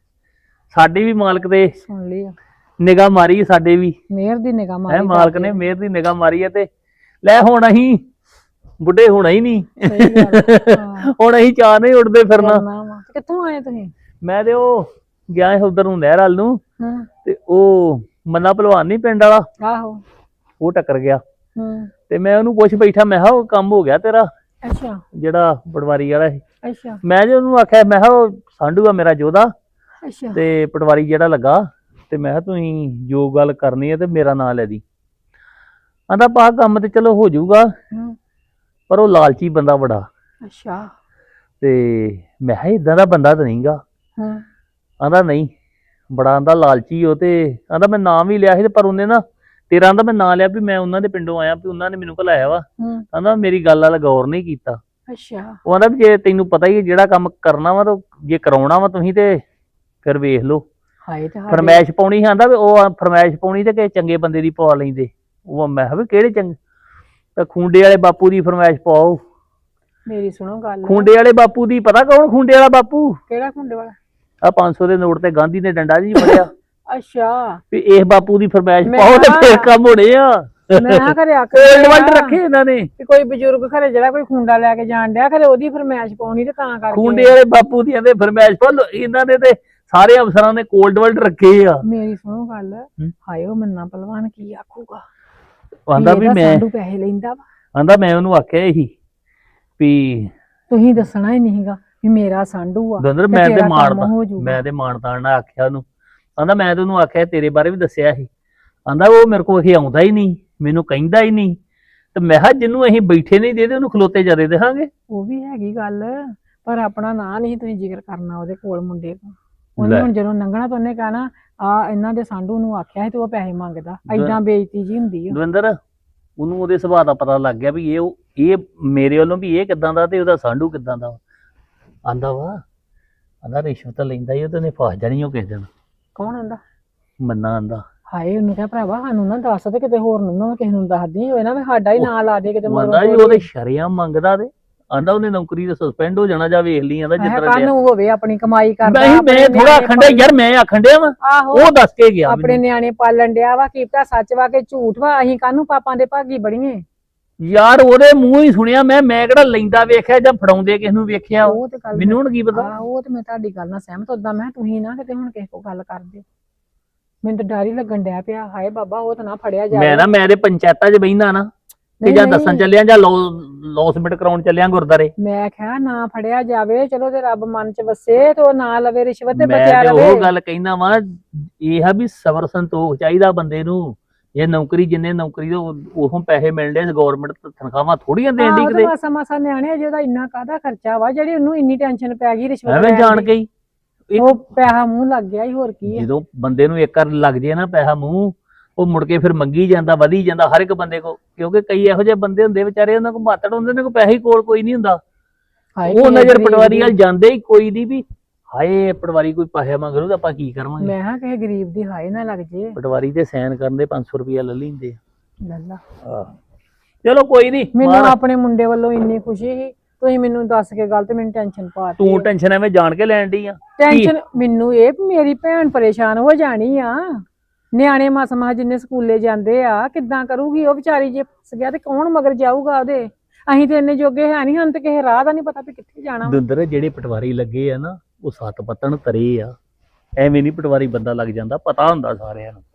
[SPEAKER 6] ਸਾਡੀ ਵੀ ਮਾਲਕ ਦੇ
[SPEAKER 4] ਸੁਣ ਲਈ
[SPEAKER 6] ਨਿਗਾਹ ਮਾਰੀ ਆ, ਸਾਡੇ ਵੀ
[SPEAKER 4] ਮਿਹਰ ਦੀ ਨਿਗਾਹ
[SPEAKER 6] ਹੈ
[SPEAKER 4] ਮਾਰੀ
[SPEAKER 6] ਮਾਲਕ ਨੇ ਮਿਹਰ ਦੀ ਨਿਗਾਹ ਮਾਰੀ ਆ। ਤੇ ਲੈ ਹੁਣ ਅਸੀਂ ਬੁੱਢੇ ਹੋਣਾ ਹੀ ਨਹੀਂ,
[SPEAKER 4] ਸਹੀ ਗੱਲ ਆ।
[SPEAKER 6] ਹੁਣ ਅਸੀਂ ਚਾਹ ਨਹੀਂ ਉੱਡਦੇ ਫਿਰਨਾ।
[SPEAKER 4] ਕਰਨਾ ਵਾ। ਕਿੱਥੋਂ ਆਏ ਤੁਸੀਂ?
[SPEAKER 6] ਮੈਂ ਤੇ ਉਹ ਗਿਆ ਸੀ ਉਧਰ ਨੂੰ ਨਹਿਰ ਵੱਲ ਨੂੰ,
[SPEAKER 4] ਹੂੰ
[SPEAKER 6] ਤੇ ਉਹ ਮੰਨਾ ਭਲਵਾਨ ਨਹੀਂ ਪਿੰਡ ਵਾਲਾ,
[SPEAKER 4] ਆਹੋ
[SPEAKER 6] ਉਹ ਟੱਕਰ ਗਿਆ।
[SPEAKER 4] ਹੂੰ
[SPEAKER 6] ਤੇ ਮੈਂ ਉਹਨੂੰ ਪੁੱਛ ਬੈਠਾ, ਮੈਂ ਕਿਹਾ ਉਹ ਕੰਮ ਹੋ ਗਿਆ ਤੇਰਾ
[SPEAKER 4] ਅੱਛਾ
[SPEAKER 6] ਜਿਹੜਾ ਪਟਵਾਰੀ ਵਾਲਾ ਸੀ?
[SPEAKER 4] ਅੱਛਾ
[SPEAKER 6] ਮੈਂ ਜੇ ਉਹਨੂੰ ਆਖਿਆ, ਮੈਂ ਕਿਹਾ ਉਹ ਸਾਂਢੂ ਆ ਮੇਰਾ ਜੋਧਾ,
[SPEAKER 4] ਅੱਛਾ
[SPEAKER 6] ਤੇ ਪਟਵਾਰੀ ਜਿਹੜਾ ਲੱਗਾ, ਤੇ ਮੈਂ ਕਿਹਾ ਤੁਸੀਂ ਜੋ ਗੱਲ ਕਰਨੀ ਹੈ ਤੇ ਮੇਰਾ ਨਾਂ ਲੈ ਦੀ। ਆਂਦਾ ਪਾ ਕੰਮ ਤੇ ਚਲੋ ਹੋ ਜਾਊਗਾ,
[SPEAKER 4] ਹੂੰ
[SPEAKER 6] ਪਰ ਉਹ ਲਾਲਚੀ ਬੰਦਾ ਬੜਾ।
[SPEAKER 4] ਅੱਛਾ
[SPEAKER 6] ਤੇ ਮੈਂ ਕਿਹਾ ਇਦਾਂ ਦਾ ਬੰਦਾ ਤਾਂ ਨਹੀਂਗਾ।
[SPEAKER 4] ਹੂੰ
[SPEAKER 6] ਆਂਦਾ ਨਹੀਂ, ਬੜਾ ਆਂਦਾ ਲਾਲਚੀ ਉਹ। ਤੇ ਆਂਦਾ ਮੈਂ ਨਾਂ ਵੀ ਲਿਆ ਸੀ, ਤੇ ਪਰ ਉਹਨੇ ਨਾ ਤੇਰਾ ਆਂਦਾ ਮੈਂ ਨਾਂ ਲਿਆ ਵੀ ਮੈਂ ਉਹਨਾਂ ਦੇ ਪਿੰਡੋਂ ਆਇਆ, ਵੀ ਉਹਨਾਂ ਨੇ ਮੈਨੂੰ ਘਲਾਇਆ ਵਾ।
[SPEAKER 4] ਹੂੰ
[SPEAKER 6] ਆਂਦਾ ਮੇਰੀ ਗੱਲ ਵਾਲਾ ਗੌਰ ਨਹੀਂ ਕੀਤਾ।
[SPEAKER 4] ਅੱਛਾ
[SPEAKER 6] ਉਹ ਆਂਦਾ ਵੀ ਜੇ ਤੈਨੂੰ ਪਤਾ ਹੀ ਹੈ ਜਿਹੜਾ ਕੰਮ ਕਰਨਾ ਵਾ, ਤਾਂ ਜੇ ਕਰਾਉਣਾ ਵਾ ਤੁਸੀਂ ਤੇ ਫਿਰ ਵੇਖ ਲਓ।
[SPEAKER 4] ਹਾਏ ਤੇ ਸਾਡੇ-
[SPEAKER 6] ਫਰਮੈਸ਼ ਪਾਉਣੀ ਸੀ, ਆਂਦਾ ਵੀ ਉਹ ਫਰਮੈਸ਼ ਪਾਉਣੀ ਤੇ ਕਿਸੇ ਚੰਗੇ ਬੰਦੇ ਦੀ ਪਵਾ ਲੈਂਦੇ। ਉਹ ਮੈਂ ਕਿਹਾ ਵੀ ਕਿਹੜੇ ਚੰਗੇ? ਤਾਂ ਖੁੰਡੇ ਵਾਲੇ ਬਾਪੂ ਦੀ ਫਰਮੈਸ਼ ਪਾਓ।
[SPEAKER 4] ਮੇਰੀ ਸੁਣੋ ਗੱਲ।
[SPEAKER 6] ਖੁੰਡੇ ਵਾਲੇ ਬਾਪੂ ਦੀ ਪਤਾ ਕੌਣ ਖੁੰਡੇ ਵਾਲਾ ਬਾਪੂ?
[SPEAKER 4] ਕਿਹੜਾ ਖੁੰਡੇ ਵਾਲਾ?
[SPEAKER 6] ਆ ਪੰਜ ਸੌ ਦੇ ਨੋਟ ਤੇ ਗਾਂਧੀ ਨੇ ਡੰਡਾ ਜੀ ਫੜਿਆ
[SPEAKER 4] ਅੱਛਾ
[SPEAKER 6] ਵੀ ਇਸ ਬਾਪੂ ਦੀ ਫਰਮੈਸ਼
[SPEAKER 4] ਮੈਂ
[SPEAKER 6] ਪਾਓ ਤੇ
[SPEAKER 4] ਕਿਹਾ-
[SPEAKER 6] ਫੇਰ ਕੰਮ ਹੋਣੇ ਆ।
[SPEAKER 4] ਮੈਂ ਕਿਹਾ ਘਰੇ ਆਖ
[SPEAKER 6] ਕੋਲਡ ਵਰਡ ਰੱਖੇ ਇਹਨਾਂ ਨੇ।
[SPEAKER 4] ਕਿ ਕੋਈ ਬਜ਼ੁਰਗ ਘਰੇ ਜਿਹੜਾ ਕੋਈ ਖੁੰਡਾ ਲੈ ਕੇ ਜਾਣ ਡਿਆ, ਖਰੇ ਉਹਦੀ ਫਰਮਾਇਸ਼ ਪਾਉਣੀ ਤੇ ਤਾਂ ਕਰਕੇ।
[SPEAKER 6] ਖੁੰਡੇ ਵਾਲੇ ਬਾਪੂ ਦੀਆਂ ਦੇ ਫਰਮੈਸ਼ ਪਾ ਲਓ। ਇਹਨਾਂ ਨੇ ਤੇ ਸਾਰੇ ਅਫਸਰਾਂ ਨੇ ਕੋਲਡ ਵਰਡ ਰੱਖੇ ਆ।
[SPEAKER 4] ਮੇਰੀ ਸੁਣੋ ਗੱਲ, ਹਾਏ ਉਹ ਮੰਨਾ ਪਹਿਲਵਾਨ ਕੀ ਆਖੂਗਾ?
[SPEAKER 6] ਆਂਦਾ ਵੀ
[SPEAKER 4] ਇਹਦਾ
[SPEAKER 6] ਮੈਂ
[SPEAKER 4] ਸਾਡੂ ਪੈਸੇ ਲੈਂਦਾ ਵਾ।
[SPEAKER 6] ਆਂਦਾ ਮੈਂ ਉਹਨੂੰ ਆਖਿਆ ਇਹੀ ਵੀ
[SPEAKER 4] ਤੁਸੀਂ ਦੱਸਣਾ ਹੀ ਨਹੀਂਗਾ ਵੀ ਮੇਰਾ ਸਾਂਢੂ ਆ
[SPEAKER 6] ਦੰਦਰ
[SPEAKER 4] ਤੇ
[SPEAKER 6] ਮੈਂ ਤੇ
[SPEAKER 4] ਤੇਰਾ ਕੰਮ
[SPEAKER 6] ਮਾਰਦਾ
[SPEAKER 4] ਹੋ ਜਾਊਗਾ।
[SPEAKER 6] ਮੈਂ ਤੇ ਮਾਨਤਾਨ ਨਾਲ ਆਖਿਆ ਉਹਨੂੰ। ਆਂਦਾ ਮੈਂ ਤੇ ਉਹਨੂੰ ਆਖਿਆ ਤੇਰੇ ਬਾਰੇ ਵੀ ਦੱਸਿਆ ਸੀ। ਆਂਦਾ ਉਹ ਮੇਰੇ ਕੋਲ ਇਹ ਆਉਂਦਾ ਹੀ ਨਹੀਂ, ਮੈਨੂੰ ਕਹਿੰਦਾ ਹੀ ਨਹੀਂ। ਤੇ ਮੈਂ ਕਿਹਾ ਜਿਹਨੂੰ ਅਸੀਂ ਬੈਠੇ ਨਹੀਂ ਦੇਦੇ ਉਹਨੂੰ ਖਲੋਤੇ ਜਦੇ ਦੇਹਾਂਗੇ।
[SPEAKER 4] ਉਹ ਵੀ ਹੈਗੀ ਗੱਲ, ਪਰ ਆਪਣਾ ਨਾਂ ਨਹੀਂ ਤੁਸੀਂ ਜ਼ਿਕਰ ਕਰਨਾ ਉਹਦੇ ਕੋਲ ਮੁੰਡੇ ਕੋਲ। ਉਹਨੇ
[SPEAKER 6] ਲੈ।
[SPEAKER 4] ਹੁਣ ਜਦੋਂ ਲੰਘਣਾ ਤਾਂ ਉਹਨੇ ਕਹਿਣਾ ਆ ਇਹਨਾਂ ਦੇ ਸਾਂਢੂ ਨੂੰ ਆਖਿਆ ਸੀ ਤੇ ਉਹ ਪੈਸੇ ਮੰਗਦਾ। ਐਦਾਂ ਬੇਇੱਜ਼ਤੀ ਜੀ ਹੁੰਦੀ ਆ।
[SPEAKER 6] ਦਵਿੰਦਰ ਉਹਨੂੰ ਉਹਦੇ ਸੁਭਾਅ ਦਾ ਪਤਾ ਲੱਗ ਗਿਆ ਵੀ ਇਹ ਉਹ ਇਹ ਮੇਰੇ ਵੱਲੋਂ ਵੀ ਇਹ ਕਿਦਾਂ ਦਾ ਤੇ ਉਹਦਾ ਸਾਂਢੂ ਕਿਦਾਂ ਦਾ। ਆਂਦਾ ਵਾ ਆਂਦਾ ਰਿਸ਼ਵਤ ਲੈਂਦਾ ਹੀ ਉਹ ਤੇ ਉਹਨੇ ਫਸ ਜਾਣੀ ਉਹ ਕਿਸੇ ਦਿਨ।
[SPEAKER 4] ਕੌਣ ਆਂਦਾ?
[SPEAKER 6] ਮੰਨਾ ਆਂਦਾ
[SPEAKER 4] ਹਾਏ ਉਹਨੂੰ ਕਹਿ ਭਰਾਵਾ ਸਾਨੂੰ ਨਾ ਦੱਸ ਤੇ ਕਿਤੇ ਹੋਰ ਨੂੰ ਨਾ ਕਿਸੇ ਨੂੰ ਦੱਸਦੀ ਹੋਏ ਨਾ ਵੀ ਸਾਡਾ ਹੀ ਨਾਂ ਲਾ ਦੇ ਕਿਤੇ
[SPEAKER 6] ਮੰਨਦਾ ਜੀ ਉਹਦੇ ਸ਼ਰਿਆਂ ਮੰਗਦਾ ਤੇ ਆਂਦਾ ਉਹਨੇ ਨੌਕਰੀ ਤੇ ਸਸਪੈਂਡ ਹੋ ਜਾਣਾ ਜਾਂ ਵੇਖ ਲਈ ਆਂਦਾ ਜਿੱਦਾਂ
[SPEAKER 4] ਕੱਲ ਨੂੰ ਹੋਵੇ ਆਪਣੀ ਕਮਾਈ ਕਰਦਾ।
[SPEAKER 6] ਨਹੀਂ
[SPEAKER 4] ਆਪਣੇ
[SPEAKER 6] ਮੈਂ ਥੋੜਾ
[SPEAKER 4] ਨਿਆਣੇ
[SPEAKER 6] ਆਖਣ ਡਿਆ ਯਾਰ, ਮੈਂ ਆਖਣ ਡਿਆ ਵਾ
[SPEAKER 4] ਆਹੋ
[SPEAKER 6] ਉਹ ਦੱਸ ਕੇ ਗਿਆ
[SPEAKER 4] ਆਪਣੇ
[SPEAKER 6] ਮੈਨੂੰ।
[SPEAKER 4] ਨਿਆਣੇ ਪਾਲਣ ਡਿਆ ਵਾ, ਕੀ ਪਤਾ ਸੱਚ ਵਾ ਕਿ ਝੂਠ ਵਾ। ਅਸੀਂ ਕਾਹਨੂੰ ਪਾਪਾਂ ਦੇ ਭਾਗੀ ਬੜੀਏ।
[SPEAKER 6] ਯਾਰ ਉਹਦੇ ਮੂੰਹ ਹੀ ਸੁਣਿਆ ਮੈਂ ਮੈਂ ਕਿਹੜਾ ਲੈਂਦਾ ਵੇਖਿਆ ਜਾਂ ਫੜਾਉਂਦੇ ਕਿਸ ਨੂੰ ਵੇਖਿਆ।
[SPEAKER 4] ਉਹ ਤੇ ਗੱਲ
[SPEAKER 6] ਮੈਨੂੰ ਹੁਣ ਕੀ ਪਤਾ।
[SPEAKER 4] ਆਹ, ਉਹ ਤੇ ਮੈਂ ਤੁਹਾਡੀ ਗੱਲ ਨਾਲ ਸਹਿਮਤ ਉਦਾਂ ਮੈਂ ਤੁਸੀਂ ਨਾ ਕਿਤੇ ਹੁਣ ਕਿਸੇ ਕੋ ਗੱਲ ਕਰਦੇ। ਮੈਨੂੰ ਤਾਂ ਡਰ ਹੀ ਲੱਗਣ ਡਿਆ ਪਿਆ। ਹਾਏ ਬਾਬਾ ਉਹ ਤਾਂ ਨਾ ਫੜਿਆ ਜਾਵੇ।
[SPEAKER 6] ਮੈਂ ਨਾ ਮੈਂ ਤੇ ਪੰਚਾਇਤਾਂ 'ਚ ਬਹਿੰਦਾ ਨਾ ਕਿ
[SPEAKER 4] ਨਹੀਂ,
[SPEAKER 6] ਜਾਂ
[SPEAKER 4] ਨਹੀਂ।
[SPEAKER 6] ਦੱਸਣ ਚੱਲਿਆ ਜਾਂ ਲੌਸਮੈਂਟ ਕਰਾਉਣ ਚੱਲਿਆ ਗੁਰਦਾਰੇ।
[SPEAKER 4] ਮੈਂ ਕਿਹਾ ਨਾ ਫੜਿਆ ਜਾਵੇ, ਚਲੋ ਤੇ ਰੱਬ ਮਨ ਚ ਵਸੇ ਤੇ ਉਹ ਨਾ ਲਵੇ ਰਿਸ਼ਵਤ ਤੇ
[SPEAKER 6] ਮੈਂ
[SPEAKER 4] ਬਚਿਆ
[SPEAKER 6] ਤੇ
[SPEAKER 4] ਰਵੇ।
[SPEAKER 6] ਉਹ ਗੱਲ ਕਹਿੰਦਾ ਵਾਂ, ਇਹ ਆ ਵੀ ਸਬਰ ਸੰਤੋਖ ਚਾਹੀਦਾ ਬੰਦੇ ਨੂੰ। ਇਹ ਨੌਕਰੀ ਜਿੰਨੇ ਨੌਕਰੀ ਤੋਂ ਉਥੋਂ ਪੈਸੇ ਮਿਲਦੇ ਗਵਰਨਮੈਂਟ ਤਨਖਾਹਾਂ ਥੋੜੀਆਂ ਦੇਣ ਦੀ ਕਿਤੇ
[SPEAKER 4] ਮਾਸਾ ਮਾਸਾ ਨਿਆਣੇ ਜਿਹਦਾ ਇੰਨਾ ਕਾਹਦਾ ਖਰਚਾ ਵਾ ਜਿਹੜੀ ਉਹਨੂੰ ਇੰਨੀ ਟੈਨਸ਼ਨ ਪੈ ਗਈ ਰਿਸ਼ਵਤ
[SPEAKER 6] ਐਵੇਂ
[SPEAKER 4] ਲੈਣ
[SPEAKER 6] ਜਾਣ
[SPEAKER 4] ਦੀ।
[SPEAKER 6] ਕੇ ਹੀ
[SPEAKER 4] ਉਹ ਪੈਸਾ ਮੂੰਹ ਲੱਗ ਗਿਆ ਹੀ ਹੋਰ ਕੀ ਹੈ।
[SPEAKER 6] ਜਦੋਂ ਬੰਦੇ ਨੂੰ ਇੱਕ ਵਾਰ ਲੱਗ ਜੇ ਨਾ ਪੈਸਾ ਮੂੰਹ, ਉਹ ਮੁੜ ਕੇ ਫਿਰ ਮੰਗੀ ਜਾਂਦਾ, ਵਧੀ ਜਾਂਦਾ ਹਰ ਇੱਕ ਬੰਦੇ ਕੋ, ਕਿਉਂਕਿ ਕਈ ਇਹੋ ਜਿਹੇ ਬੰਦੇ ਹੁੰਦੇ ਵਿਚਾਰੇ, ਉਹਨਾਂ ਕੋਲ ਮਾਤੜ ਹੁੰਦੇ ਨੇ, ਕੋ ਪੈਸੇ ਕੋਲ ਕੋਈ ਨਹੀਂ ਹੁੰਦਾ,
[SPEAKER 4] ਹਾਏ
[SPEAKER 6] ਉਹ
[SPEAKER 4] ਕਿਸੇ
[SPEAKER 6] ਨਜ਼ਰ
[SPEAKER 4] ਗਰੀਬ
[SPEAKER 6] ਪਟਵਾਰੀ ਵੱਲ
[SPEAKER 4] ਦੀ-
[SPEAKER 6] ਜਾਂਦੇ ਹੀ ਕੋਈ ਨਹੀਂ ਵੀ ਹਾਏ ਪਟਵਾਰੀ ਕੋਈ ਪੈਸੇ ਮੰਗ ਰਿਹਾ ਤਾਂ ਆਪਾਂ ਕੀ ਕਰਾਂਗੇ।
[SPEAKER 4] ਮੈਂ ਹਾਂ ਕਿਸੇ ਗਰੀਬ ਦੀ ਹਾਏ ਨਾ ਲੱਗ ਜੇ।
[SPEAKER 6] ਪਟਵਾਰੀ ਤੇ ਸਾਈਨ ਕਰਨ ਦੇ ਪੰਜ ਸੌ ਰੁਪਇਆ ਲੈ ਲੈਂਦੇ
[SPEAKER 4] ਲੱਲਾ
[SPEAKER 6] ਆ। ਚਲੋ ਕੋਈ ਨਹੀਂ,
[SPEAKER 4] ਮੈਨੂੰ ਆਪਣੇ ਮੁੰਡੇ ਵੱਲੋਂ ਇੰਨੀ ਖੁਸ਼ੀ ਸੀ, ਤੁਸੀਂ ਮੈਨੂੰ ਦੱਸ ਕੇ ਗੱਲ ਤੇ ਮੈਨੂੰ ਟੈਨਸ਼ਨ ਪਾਤੀ।
[SPEAKER 6] ਤੂੰ ਟੈਨਸ਼ਨ ਐਵੇਂ ਜਾਣ ਕੇ ਲੈਣ ਡਈ ਆ।
[SPEAKER 4] ਟੈਨਸ਼ਨ ਮੈਨੂੰ ਇਹ ਵੀ ਮੇਰੀ ਭੈਣ ਪਰੇਸ਼ਾਨ ਹੋ ਜਾਣੀ ਆ। ਨਿਆਣੇ ਮਸਮਾ ਜਿੰਨੇ ਸਕੂਲੇ ਜਾਂਦੇ ਆ, ਕਿੱਦਾਂ ਕਰੂਗੀ ਉਹ ਵਿਚਾਰੀ, ਜੇ ਫਸ ਗਿਆ ਤੇ ਕੌਣ ਮਗਰ ਜਾਊਗਾ ਉਹਦੇ। ਅਸੀਂ ਤੇ ਇੰਨੇ ਜੋਗੇ ਹੈ ਨਹੀਂ, ਹਨ ਤੇ ਕਿਸੇ ਰਾਹ ਦਾ ਨਹੀਂ ਪਤਾ ਵੀ ਕਿੱਥੇ ਜਾਣਾ ਵਾ।
[SPEAKER 6] ਦੁੰਦਰ ਜਿਹੜੇ ਪਟਵਾਰੀ ਲੱਗੇ ਆ ਨਾ, ਉਹ ਸੱਤ ਪੱਤਣ ਤਰੇ ਆ, ਐਵੇਂ ਨਹੀਂ ਪਟਵਾਰੀ ਬੰਦਾ ਲੱਗ ਜਾਂਦਾ, ਪਤਾ ਹੁੰਦਾ ਸਾਰਿਆਂ ਨੂੰ।